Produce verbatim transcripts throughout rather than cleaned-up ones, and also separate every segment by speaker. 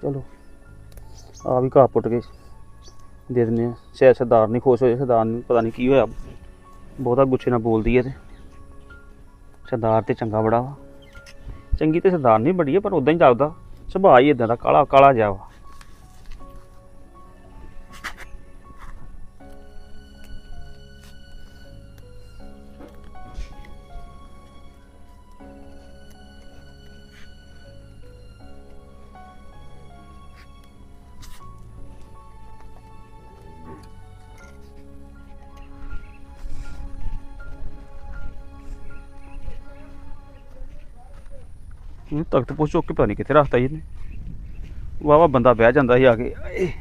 Speaker 1: चलो आ भी घाह पुट के दे दिन्ने आं। शायद सरदार नहीं खुश होए, सरदार नहीं पता नहीं की होया, बहुता गुस्से नाल बोलदी है। ते सरदार ते चंगा बड़ा वा, चंगी ते सरदार नहीं बड़ी है, पर उदां ही लगदा सुभाऽ ही इदां दा काला काला जिहा वा। तख्त पोश चुक के पता नहीं कितने रखता जी वाह वाह बंदा बह जाता ही आके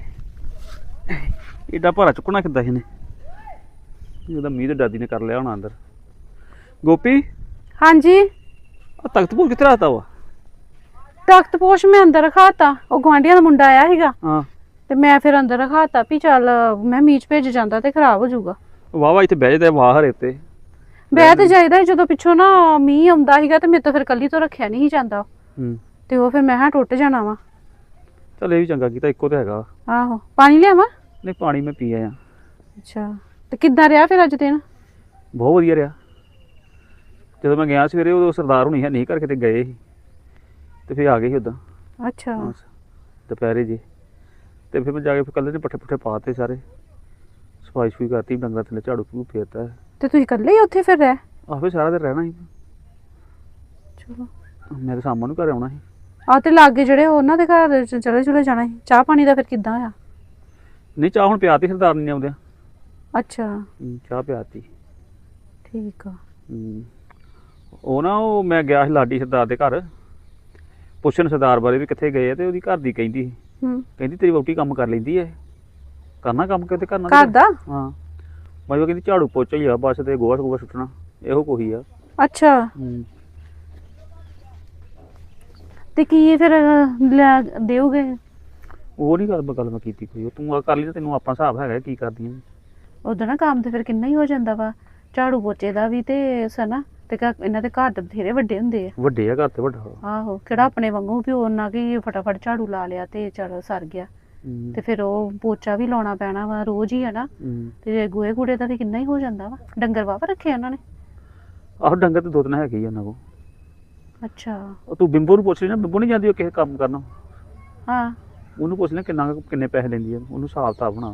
Speaker 1: एडा भारा चुकना किदा ही मीह तो दादी ने कर लिया होना अंदर। गोपी
Speaker 2: हाँ जी
Speaker 1: तख्त पोश कितने रखता वा?
Speaker 2: तख्त पोश मैं अंदर रखाता, वो गुआंढिया का मुंडा आया सीगा
Speaker 1: हाँ
Speaker 2: ते मैं फिर अंदर रखाता भी चल मैं मीच भेज जाता ते खराब हो जाऊगा।
Speaker 1: वाह वाह इतने बह जाता वाह हरे ते
Speaker 2: बह तो जाइदा जो पिछों ना मीह आउंदा सीगा ते मेरे तो फिर कल्ली तो रखिया नहीं जाता ते वो फिर मैं हाँ टुट जाना वा।
Speaker 1: चल ये भी चंगा कीता, इक्को तो हैगा।
Speaker 2: आहो पानी लियावां?
Speaker 1: नहीं पानी मैं पी आया।
Speaker 2: अच्छा ते किद्दां रहा फिर अज दिन?
Speaker 1: बहुत वधिया रहा। जो मैं गया सवेरे उदों सरदार हुणी है नहीं घर किते गए ही ते फिर आ गए ही उदां।
Speaker 2: अच्छा
Speaker 1: दोपहरे जी ते फिर मैं जाके फिर कल्ले ने पट्ठे पुट्ठे पाते सारे, सफाई सफूई करती, डंगर थल्ले झाड़ू झूड़ू फेरता।
Speaker 2: ते तुसीं कल्ले ही उत्थे फिर रह?
Speaker 1: आहो सारा दिन रहना ही।
Speaker 2: चलो
Speaker 1: मैं तो शामां नूं घर आउणा ही।
Speaker 2: आ ते लागे जेहड़े उन्हां दे घर चले चुले जाना ही। चाह पानी दा फिर किद्दां होया?
Speaker 1: नहीं चाह हुण पियाती सरदार ने आउंदे।
Speaker 2: अच्छा
Speaker 1: चाह पियाती
Speaker 2: ठीक आ।
Speaker 1: ਉਹ ਨਾ ਉਹ ਮੈਂ ਗਿਆ ਸੀ ਲਾਡੀ ਸਰਦਾਰ ਦੇ ਘਰ ਪੁੱਛਣ ਸਰਦਾਰ ਬਾਰੇ ਵੀ ਕਿੱਥੇ ਗਏ ਤੇ ਉਹਦੀ ਘਰ ਦੀ ਕਹਿੰਦੀ ਸੀ ਕਹਿੰਦੀ ਤੇਰੀ ਵਹੁਟੀ ਕੰਮ ਕਰ ਲੈਂਦੀ ਹੈ, ਕਰਨਾ ਕੰਮ ਕਿਤੇ ਕਰਨਾ
Speaker 2: ਘਰ ਦਾ?
Speaker 1: ਹਾਂ ਮੈਂ ਉਹ ਕਹਿੰਦੀ ਝਾੜੂ ਪੋਚਾ ਹੀ ਆ ਬਸ ਤੇ ਗੋਹਾ ਗੋਹਾ ਸੁੱਟਣਾ ਇਹੋ ਕੋਈ ਆ।
Speaker 2: ਅੱਛਾ ਤੇ ਕੀ ਫਿਰ ਦੇਉਗੇ?
Speaker 1: ਉਹ ਨਹੀਂ ਗੱਲ ਗੱਲ ਮੈਂ ਕੀਤੀ ਕੋਈ, ਤੂੰ ਆ ਕਰ ਲਈ, ਤੈਨੂੰ ਆਪਾਂ ਹਿਸਾਬ ਹੈਗਾ ਕੀ ਕਰਦੀਆਂ।
Speaker 2: ਉਦੋਂ ਨਾ ਕੰਮ ਤੇ ਫਿਰ ਕਿੰਨਾ ਹੀ ਹੋ ਜਾਂਦਾ ਵਾ, ਝਾੜੂ ਪੋਚੇ ਦਾ ਵੀ ਤੇ ਸਨਾ ਤੇ ਇਹਨਾਂ ਦੇ ਘਰ ਦੇ ਬਥੇਰੇ ਵੱਡੇ ਹੁੰਦੇ ਆ।
Speaker 1: ਵੱਡੇ ਆ ਘਰ ਤੇ ਵੱਡਾ। ਆਹੋ
Speaker 2: ਕਿਹੜਾ ਆਪਣੇ ਵਾਂਗੂ ਵੀ ਉਹਨਾਂ ਕੀ ਫਟਾਫਟ ਝਾੜੂ ਲਾ ਲਿਆ ਤੇ ਚਲ ਸਰ ਗਿਆ। ਤੇ ਫਿਰ ਉਹ ਪੋਚਾ ਵੀ ਲਾਉਣਾ ਪੈਣਾ ਵਾ ਰੋਜ਼ ਹੀ ਹੈ ਨਾ, ਤੇ ਗੋਹੇ ਕੂੜੇ ਦਾ ਵੀ ਕਿੰਨਾ ਹੀ ਹੋ ਜਾਂਦਾ ਵਾ। ਡੰਗਰ ਵਾਵਾ ਰੱਖੇ ਉਹਨਾਂ ਨੇ?
Speaker 1: ਆਹੋ ਡੰਗਰ ਤੇ ਦੋ ਤਿੰਨ ਹੈਗੇ ਹੀ ਉਹਨਾਂ ਕੋਲ।
Speaker 2: ਅੱਛਾ
Speaker 1: ਉਹ ਤੂੰ ਬਿੰਬੋ ਨੂੰ ਪੁੱਛ ਲਈ ਨਾ, ਬਿੰਬੋ ਨਹੀਂ ਜਾਂਦੀ ਉਹ ਕਿਸੇ ਕੰਮ ਕਰਨਾ।
Speaker 2: ਹਾਂ
Speaker 1: ਉਹਨੂੰ ਪੁੱਛ ਲੈ ਕਿੰਨਾ ਕਿੰਨੇ ਪੈਸੇ ਲੈਂਦੀ ਆ, ਉਹਨੂੰ ਹਿਸਾਬ ਕਿਤਾਬ ਬਣਾ।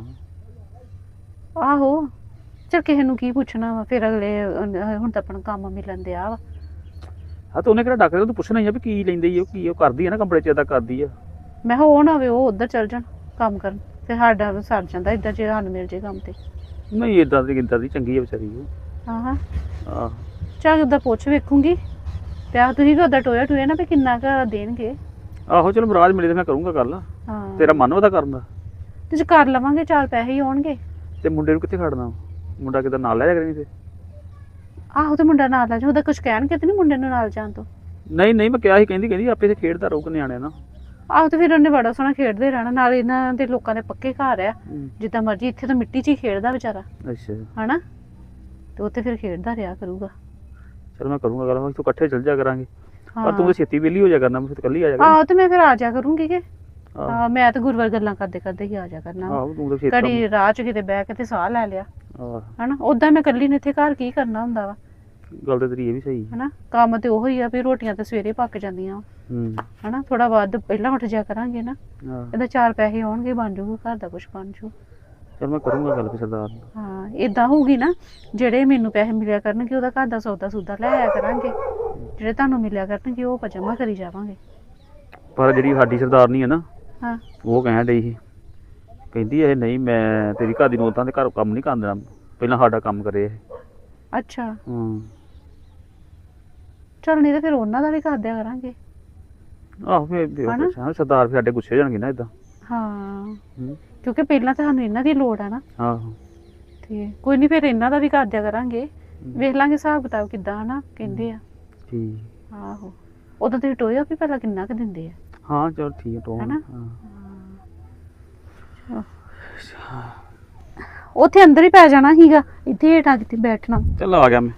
Speaker 2: ਆਹੋ ਚਲ ਕਿਸੇ ਨੂੰ ਕੀ ਪੁੱਛਣਾ ਵਾ ਫਿਰ, ਅਗਲੇ ਹੁਣ ਤਾਂ ਆਪਣਾ ਕੰਮ ਮਿਲਣ ਦਿਆ ਵਾ।
Speaker 1: ਹਾਂ ਤੇ ਉਹਨੇ ਕਿਹੜਾ ਡਾਕਟਰ ਤੂੰ ਪੁੱਛਣਾ ਹੀ ਆ ਵੀ ਕੀ ਲੈਂਦੀ ਆ, ਕੀ ਉਹ ਕਰਦੀ ਆ ਨਾ ਕੰਪਨੀ ਚ, ਏਦਾਂ ਕਰਦੀ ਆ।
Speaker 2: ਮੈਂ ਕਿਹਾ ਉਹ ਨਾ ਹੋਵੇ ਉਹ ਉੱਧਰ ਚੱਲ ਜਾਣ ਕੰਮ ਕਰਨ, ਫਿਰ ਸਾਡਾ ਸਰ ਜਾਂਦਾ ਇੱਦਾਂ ਜੇ ਸਾਨੂੰ ਮਿਲ ਜੇ ਕੰਮ ਤੇ।
Speaker 1: ਨਹੀਂ ਏਦਾਂ ਦੀ ਇੱਦਾਂ ਦੀ ਚੰਗੀ ਆ ਵਿਚਾਰੀ ਉਹ।
Speaker 2: ਹਾਂ ਹਾਂ
Speaker 1: ਆਹ
Speaker 2: ਚੱਲ ਉੱਦਾਂ ਪੁੱਛ ਵੇਖੂੰਗੀ ਤੇ ਆਹ ਤੁਸੀਂ ਵੀ ਉੱਦਾਂ ਟੋਇਆ ਟੋਇਆ ਨਾ ਵੀ ਕਿੰਨਾ ਕੁ ਦੇਣਗੇ।
Speaker 1: ਆਹੋ ਚਲੋ ਮਹਾਰਾਜ ਮਿਲੇ ਤੇ ਮੈਂ ਕਰੂੰਗਾ ਗੱਲ।
Speaker 2: ਹਾਂ
Speaker 1: ਤੇਰਾ ਮਨ ਉਹਦਾ ਕਰਨ ਦਾ?
Speaker 2: ਤੁਸੀਂ ਕਰ ਲਵਾਂਗੇ, ਚਾਰ ਪੈਸੇ ਹੀ ਆਉਣਗੇ।
Speaker 1: ਤੇ ਮੁੰਡੇ ਨੂੰ ਕਿੱਥੇ ਖੜਨਾ? ਮੁੰਡਾ ਕਿਤੇ ਨਾਲ ਲੈ ਜਾ ਕਰੀ ਤੇ?
Speaker 2: ਆਹੋ ਤੇ ਮੁੰਡਾ ਨਾਲ ਲੈ ਜਾ, ਉਹਦਾ ਕੁਝ ਕਹਿਣਗੇ ਤੇ ਨਹੀਂ ਮੁੰਡੇ ਨੂੰ ਨਾਲ ਜਾਣ ਤੋਂ?
Speaker 1: ਨਹੀਂ ਨਹੀਂ ਮੈਂ ਕਿਹਾ ਸੀ, ਕਹਿੰਦੀ ਕਹਿੰਦੀ ਆਪੇ ਤੇ ਖੇਡਦਾ ਰਹੂਗਾ ਨਿਆਣਿਆਂ ਨਾਲ।
Speaker 2: ਆਹੋ ਤੇ ਫਿਰ ਉਹਨੇ ਬੜਾ ਸੋਹਣਾ ਖੇਡਦੇ ਰਹਿਣਾ, ਨਾਲ ਇਹਨਾਂ ਦੇ ਲੋਕਾਂ ਦੇ ਪੱਕੇ ਘਰ ਆ, ਜਿੱਦਾਂ ਮਰਜ਼ੀ ਇੱਥੇ ਤਾਂ ਮਿੱਟੀ 'ਚ ਹੀ ਖੇਡਦਾ ਵਿਚਾਰਾ।
Speaker 1: ਅੱਛਾ
Speaker 2: ਹਨਾ ਤੇ ਉੱਥੇ ਫਿਰ ਖੇਡਦਾ ਰਿਹਾ ਕਰੂਗਾ।
Speaker 1: ਚਲ ਮੈਂ ਕਰੂੰਗਾ ਗੱਲ, ਤੂੰ ਇਕੱਠੇ ਚੱਲ ਜਾ ਕਰਾਂਗੇ। ਪਰ ਤੂੰ ਤਾਂ ਛੇਤੀ ਵਿਹਲੀ ਹੋ ਜਾ ਕਰਨਾ, ਮੈਂ ਫਿਰ ਇਕੱਲੀ ਆ ਜਾ
Speaker 2: ਆਹੋ ਤੇ ਮੈਂ ਫਿਰ ਆ ਜਾ ਕਰੂੰਗੀ ਕਿ ਹਾਂ ਮੈਂ ਤਾਂ ਗੁਰਵਰ ਗੱਲਾਂ ਕਰਦੇ ਕਰਦੇ ਹੀ ਆ ਜਾ ਕਰਨਾ।
Speaker 1: ਆਹੋ ਤੂੰ ਤਾਂ ਛੇਤੀ
Speaker 2: ਕੜੀ ਰਾਹ 'ਚ ਕਿਤੇ ਬਹਿ ਕੇ ਤੇ ਸਾਹ ਲੈ ਲਿਆ ਹਨਾ, ਓਦਾਂ ਮੈਂ ਇਕੱਲੀ ਨੇ ਇੱਥੇ ਘਰ ਕੀ ਕਰਨਾ ਹੁੰਦਾ ਵਾ।
Speaker 1: ਗੱਲ ਤੇ ਤੇਰੀ ਇਹ ਵੀ ਸਹੀ
Speaker 2: ਹਨਾ, ਕੰਮ ਤੇ ਉਹੀ ਆ ਵੀ ਰੋਟੀਆਂ ਤੇ ਸਵੇਰੇ ਪੱਕ ਜਾਂਦੀਆਂ ਹਨਾ, ਥੋੜਾ ਵੱਧ ਪਹਿਲਾਂ ਉੱਠ ਜਾ ਕਰਾਂਗੇ ਨਾ, ਇਹਦਾ ਚਾਰ ਪੈਸੇ ਆਉਣਗੇ, ਬਣ ਜਾਊਗਾ ਘਰ ਦਾ ਕੁਛ ਬਣ ਜਾਊ।
Speaker 1: ਚਲ ਮੈਂ ਕਰੂੰਗਾ ਗੱਲ ਫਿਰ ਸਰਦਾਰ।
Speaker 2: ਹਾਂ ਏਦਾਂ ਹੋਊਗੀ ਨਾ, ਜਿਹੜੇ ਮੈਨੂੰ ਪੈਸੇ ਮਿਲਿਆ ਕਰਨਗੇ ਉਹਦਾ ਘਰ ਦਾ ਸੌਦਾ ਸੂਦਾ ਲੈ ਆਇਆ ਕਰਾਂਗੇ, ਜਿਹੜੇ ਤੁਹਾਨੂੰ ਮਿਲਿਆ ਕਰਨਗੇ ਉਹ ਆਪਾਂ ਜਮ੍ਹਾਂ ਕਰੀ ਜਾਵਾਂਗੇ।
Speaker 1: ਪਰ ਜਿਹੜੀ ਸਾਡੀ ਸਰਦਾਰਨੀ ਹੈ ਨਾ,
Speaker 2: ਹਾਂ
Speaker 1: ਉਹ ਕਹਿਣ ਡਈ ਸੀ, ਕਹਿੰਦੀ ਇਹ ਨਹੀਂ ਮੈਂ ਤੇਰੀ ਘਰ ਦੀ ਨੌਤਾਂ ਦੇ ਘਰ ਕੰਮ ਨਹੀਂ ਕਰਨ ਦੇਣਾ, ਪਹਿਲਾਂ ਸਾਡਾ ਕੰਮ ਕਰੇ ਇਹ।
Speaker 2: ਅੱਛਾ
Speaker 1: ਹਾਂ
Speaker 2: ਚਲ ਨਹੀਂ ਤਾਂ ਫਿਰ ਉਹਨਾਂ ਦਾ ਵੀ ਕਰ ਦਿਆ ਕਰਾਂਗੇ।
Speaker 1: ਆਹੋ ਫਿਰ ਸਰਦਾਰ ਫਿਰ ਸਾਡੇ ਗੁੱਸੇ ਹੋ ਜਾਣਗੇ ਨਾ ਏਦਾਂ।
Speaker 2: ਹਾਂ ਕਿਉਂਕਿ ਪਹਿਲਾਂ ਤਾਂ ਸਾਨੂੰ ਇਹਨਾਂ ਦੀ ਲੋੜ ਆ ਨਾ।
Speaker 1: ਆਹੋ
Speaker 2: ਤੇ ਕੋਈ ਨਹੀਂ ਫਿਰ ਇਹਨਾਂ ਦਾ ਵੀ ਕਰ ਦਿਆ ਕਰਾਂਗੇ, ਵੇਖ ਲਾਂਗੇ ਹਿਸਾਬ ਕਿਤਾਬ ਕਿੱਦਾਂ ਹਨਾ ਕਹਿੰਦੇ ਆ।
Speaker 1: ਠੀਕ
Speaker 2: ਆਹੋ ਉਦੋਂ ਤੇ ਟੋਇਆ ਵੀ ਪਹਿਲਾਂ ਕਿੰਨਾ ਕੁ ਦਿੰਦੇ ਆ।
Speaker 1: ਹਾਂ ਚਲ ਠੀਕ ਹੈ ਟੋਆ
Speaker 2: ਹਨਾ ਉੱਥੇ ਅੰਦਰ ਹੀ ਪੈ ਜਾਣਾ ਸੀਗਾ, ਇੱਥੇ ਹੇਠਾਂ ਕਿਤੇ ਬੈਠਣਾ।
Speaker 1: ਚੱਲ ਆ ਗਿਆ ਮੈਂ।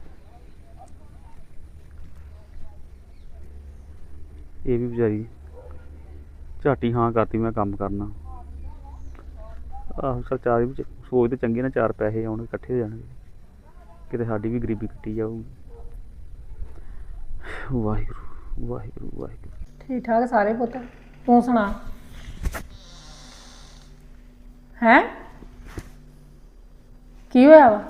Speaker 1: ਇਹ ਵੀ ਵਿਚਾਰੀ ਝਾਟੀ ਹਾਂ ਕਰਤੀ ਮੈਂ ਕੰਮ ਕਰਨਾ। ਆਹੋ ਚੱਲ ਚਾਰ ਵੀ ਸੋਚਦੇ ਚੰਗੇ ਨਾ ਚਾਰ ਪੈਸੇ ਆਉਣਗੇ ਇਕੱਠੇ ਹੋ ਜਾਣਗੇ, ਕਿਤੇ ਸਾਡੀ ਵੀ ਗਰੀਬੀ ਕੱਟੀ ਜਾਊਗੀ। ਵਾਹਿਗੁਰੂ ਵਾਹਿਗੁਰੂ ਵਾਹਿਗੁਰੂ।
Speaker 3: ਠੀਕ ਠਾਕ ਸਾਰੇ ਪੁੱਤ, ਤੂੰ ਸੁਣਾ? ਹੈ ਕੀ ਹੋਇਆ ਵਾ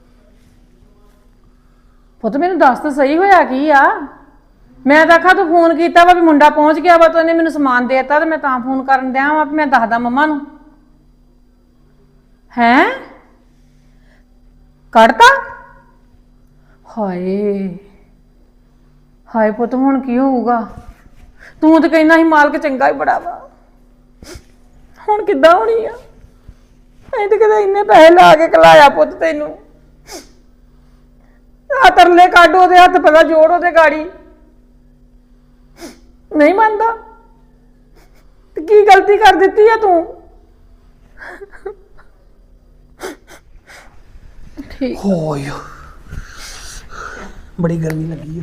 Speaker 3: ਪੁੱਤ? ਮੈਨੂੰ ਦੱਸ ਤਾਂ ਸਹੀ ਹੋਇਆ ਕੀ ਆ? ਮੈਂ ਤਾਂ ਆਖਾ ਤੂੰ ਫੋਨ ਕੀਤਾ ਵਾ ਵੀ ਮੁੰਡਾ ਪਹੁੰਚ ਗਿਆ ਵਾ, ਤੂੰ ਇਹਨੇ ਮੈਨੂੰ ਸਮਾਨ ਦੇਤਾ ਤੇ ਮੈਂ ਤਾਂ ਫੋਨ ਕਰਨ ਦਿਆਂ ਵਾ ਵੀ ਮੈਂ ਦੱਸਦਾ ਮੰਮਾ ਨੂੰ। ਹੈਂ ਕੱਢਤਾ? ਹਾਏ ਹਾਏ ਪੁੱਤ ਹੁਣ ਕੀ ਹੋਊਗਾ? ਤੂੰ ਤਾਂ ਕਹਿੰਦਾ ਸੀ ਮਾਲਕ ਚੰਗਾ ਹੀ ਬੜਾ ਵਾ, ਹੁਣ ਕਿੱਦਾਂ ਹੋਣੀ ਆ? ਅਸੀਂ ਤਾਂ ਕਿਤੇ ਇੰਨੇ ਪੈਸੇ ਲਾ ਕੇ ਕਲਾਇਆ ਪੁੱਤ ਤੈਨੂੰ। ਆ ਤਰਲੇ ਕੱਢ ਉਹਦੇ ਹੱਥ, ਪਤਾ ਜੋੜ ਉਹਦੇ ਗਾੜੀ। ਨਹੀਂ ਮੰਨਦਾ ਤੇ ਕੀ ਗਲਤੀ ਕਰ ਦਿੱਤੀ ਆ ਤੂੰ? ਠੀਕ
Speaker 4: ਹੋਏ ਬੜੀ ਗਰਮੀ ਲੱਗੀ ਆ।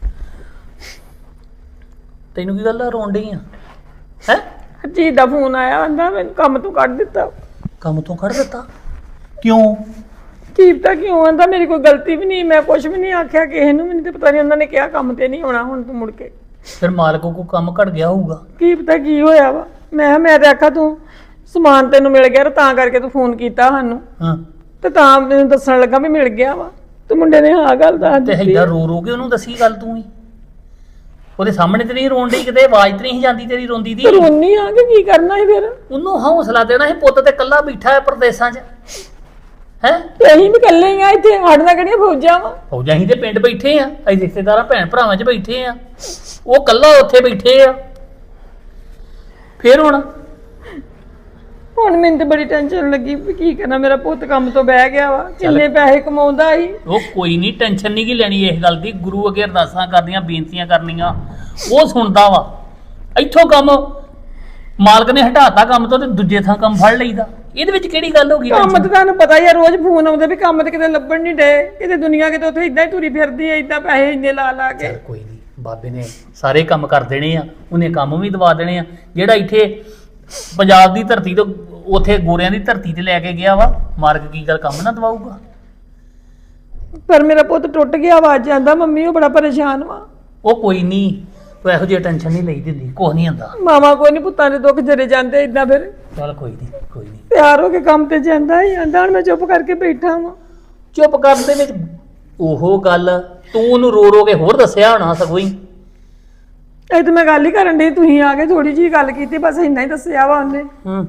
Speaker 4: ਤੈਨੂੰ ਕੀ ਗੱਲ ਆ, ਰੋਣ ਡਈ ਆ? ਹੈ
Speaker 3: ਜੀ ਦਾ ਫੋਨ ਆਇਆ, ਆਂਦਾ ਮੈਨੂੰ ਕੰਮ ਤੋਂ ਕੱਢ ਦਿੱਤਾ।
Speaker 4: ਕੰਮ ਤੋਂ ਕੱਢ ਦਿੱਤਾ? ਕਿਉਂ?
Speaker 3: ਕੀ ਪਤਾ ਕਿਉਂ? ਆਂਦਾ ਮੇਰੀ ਕੋਈ ਗਲਤੀ ਵੀ ਨਹੀਂ, ਮੈਂ ਕੁਝ ਵੀ ਨਹੀਂ ਆਖਿਆ ਕਿਸੇ ਨੂੰ। ਮੈਨੂੰ ਤੇ ਪਤਾ ਨਹੀਂ, ਉਹਨਾਂ ਨੇ ਕਿਹਾ ਕੰਮ ਤੇ ਨਹੀਂ ਆਉਣਾ ਹੁਣ ਤੂੰ ਮੁੜ ਕੇ।
Speaker 4: ਫਿਰ ਮਾਲਕ ਕੋ ਕੰਮ ਘਟ ਗਿਆ ਹੋਊਗਾ।
Speaker 3: ਕੀ ਪਤਾ ਕੀ ਹੋਇਆ ਵਾ। ਮੈਂ ਮੈਂ ਤੇ ਆਖਾ ਤੂੰ ਸਮਾਨ ਤੈਨੂੰ ਮਿਲ ਗਿਆ ਤਾਂ ਕਰਕੇ ਤੂੰ ਫੋਨ ਕੀਤਾ ਸਾਨੂੰ,
Speaker 4: ਹਾਂ
Speaker 3: ਤੇ ਤਾਂ ਮੈਨੂੰ ਦੱਸਣ ਲੱਗਾ ਵੀ ਮਿਲ ਗਿਆ ਵਾ। ਤੇ ਮੁੰਡੇ ਨੇ ਹਾਂ ਗੱਲ ਦੱਸ
Speaker 4: ਤੇ
Speaker 3: ਦਿੱਤੀ।
Speaker 4: ਹੈਗਾ ਰੋ ਰੋ ਕੇ ਉਹਨੂੰ ਦੱਸੀ ਗੱਲ ਤੂੰ ਹੀ। ਉਹਦੇ ਸਾਹਮਣੇ ਤੇ ਨਹੀਂ ਰੋਣ ਡਈ, ਕਿਤੇ ਆਵਾਜ਼ ਤੇ ਨਹੀਂ ਜਾਂਦੀ ਤੇਰੀ ਰੋਂਦੀ ਦੀ।
Speaker 3: ਰੋਣੀ ਆ ਕਿ ਕੀ ਕਰਨਾ ਸੀ ਫਿਰ?
Speaker 4: ਉਹਨੂੰ ਹੌਸਲਾ ਦੇਣਾ ਸੀ, ਪੁੱਤ ਤੇ ਇਕੱਲਾ ਬੈਠਾ ਹੈ ਪ੍ਰਦੇਸਾਂ 'ਚ। ਹੈ
Speaker 3: ਤੇ ਅਸੀਂ ਵੀ ਇਕੱਲੇ ਹੀ ਆ ਇੱਥੇ, ਸਾਡੇ ਨਾਲ ਕਿਹੜੀਆਂ ਫੌਜਾਂ ਵਾ?
Speaker 4: ਫੌਜਾਂ ਹੀ ਤੇ ਪਿੰਡ ਬੈਠੇ ਆ, ਅਸੀਂ ਰਿਸ਼ਤੇਦਾਰਾਂ ਭੈਣ ਭਰਾਵਾਂ 'ਚ ਬੈਠੇ ਆ, ਉਹ ਇਕੱਲਾ ਉੱਥੇ ਬੈਠੇ ਆ। ਫਿਰ ਹੁਣ
Speaker 3: ਹੁਣ ਮੈਨੂੰ ਤੇ ਬੜੀ ਟੈਨਸ਼ਨ ਲੱਗੀ ਵੀ ਕੀ ਕਰਨਾ। ਮੇਰਾ ਪੁੱਤ ਕੰਮ ਤੋਂ ਬਹਿ ਗਿਆ ਵਾ, ਕਿੰਨੇ ਪੈਸੇ ਕਮਾਉਂਦਾ ਸੀ।
Speaker 4: ਉਹ ਕੋਈ ਨਹੀਂ, ਟੈਨਸ਼ਨ ਨਹੀਂ ਕੀ ਲੈਣੀ ਇਸ ਗੱਲ ਦੀ। ਗੁਰੂ ਅੱਗੇ ਅਰਦਾਸਾਂ ਕਰਨੀਆਂ, ਬੇਨਤੀਆਂ ਕਰਨੀਆਂ, ਉਹ ਸੁਣਦਾ ਵਾ। ਇੱਥੋਂ ਕੰਮ ਮਾਲਕ ਨੇ ਹਟਾਤਾ ਕੰਮ ਤੋਂ ਤੇ ਦੂਜੇ ਥਾਂ ਕੰਮ ਫੜ ਲਈਦਾ। ਇਹਦੇ ਵਿੱਚ ਕਿਹੜੀ ਗੱਲ ਹੋ ਗਈ?
Speaker 3: ਕੰਮ ਤੇ ਤੁਹਾਨੂੰ ਪਤਾ ਹੀ ਆ, ਰੋਜ਼ ਫੋਨ ਆਉਂਦੇ ਵੀ ਕੰਮ ਤੇ ਕਿਤੇ ਲੱਭਣ ਨਹੀਂ ਡੇ, ਕਿਤੇ ਦੁਨੀਆ ਕਿਤੇ ਉੱਥੇ ਇਦਾਂ ਹੀ ਤੁਰੀ ਫਿਰਦੀ ਹੈ, ਇਦਾਂ ਪੈਸੇ ਇੰਨੇ ਲਾ ਲਾ ਕੇ।
Speaker 4: ਚੱਲ ਕੋਈ ਨਹੀਂ, ਬਾਬੇ ਨੇ ਸਾਰੇ ਕੰਮ ਕਰ ਦੇਣੇ ਆ, ਉਹਨੇ ਕੰਮ ਵੀ ਦਵਾ ਦੇਣੇ ਆ। ਜਿਹੜਾ ਇੱਥੇ ਪੰਜਾਬ ਦੀ ਧਰਤੀ ਤੋਂ ਉੱਥੇ ਗੋਰਿਆਂ ਦੀ ਧਰਤੀ ਤੇ ਲੈ ਕੇ ਗਿਆ ਵਾ, ਮਾਰਕ ਕੀ ਗੱਲ ਕੰਮ ਨਾ ਦਵਾਊਗਾ?
Speaker 3: ਪਰ ਮੇਰਾ ਪੁੱਤ ਟੁੱਟ ਗਿਆ ਵਾ, ਅੱਜ ਆਂਦਾ ਮੰਮੀ ਉਹ ਬੜਾ ਪਰੇਸ਼ਾਨ ਵਾ।
Speaker 4: ਉਹ ਕੋਈ ਨਹੀਂ, ਤੂੰ ਇਹੋ ਜਿਹੀ ਟੈਨਸ਼ਨ ਨਹੀਂ ਲਈ ਦਿੰਦੀ, ਕੁਛ ਨਹੀਂ ਹੁੰਦਾ।
Speaker 3: ਮਾਵਾ ਕੋਈ ਨਹੀਂ, ਪੁੱਤਾਂ ਦੇ ਦੁੱਖ ਜਰੇ ਜਾਂਦੇ ਇਦਾਂ। ਫਿਰ
Speaker 4: ਚੱਲ ਕੋਈ ਨਹੀਂ, ਕੋਈ ਨਹੀਂ।
Speaker 3: ਤਿਆਰ ਹੋ ਕੇ ਕੰਮ ਤੇ ਜਾਂਦਾ ਹੀ ਆਂਦਾ, ਹੁਣ ਮੈਂ ਚੁੱਪ ਕਰਕੇ ਬੈਠਾ ਵਾਂ।
Speaker 4: ਚੁੱਪ ਕਰਨ ਦੇ ਵਿੱਚ ਉਹ ਗੱਲ ਤੂੰ ਉਹਨੂੰ ਰੋ ਰੋ ਕੇ ਹੋਰ ਦੱਸਿਆ ਹੋਣਾ ਸਗੋਂ ਹੀ।
Speaker 3: ਇਹ ਤਾਂ ਮੈਂ ਗੱਲ ਹੀ ਕਰਨ ਡਈ, ਤੁਸੀਂ ਆ ਕੇ ਥੋੜੀ ਜਿਹੀ ਗੱਲ ਕੀਤੀ, ਬਸ ਇੰਨਾ ਹੀ ਦੱਸਿਆ ਵਾ ਉਹਨੇ।
Speaker 4: ਹੂੰ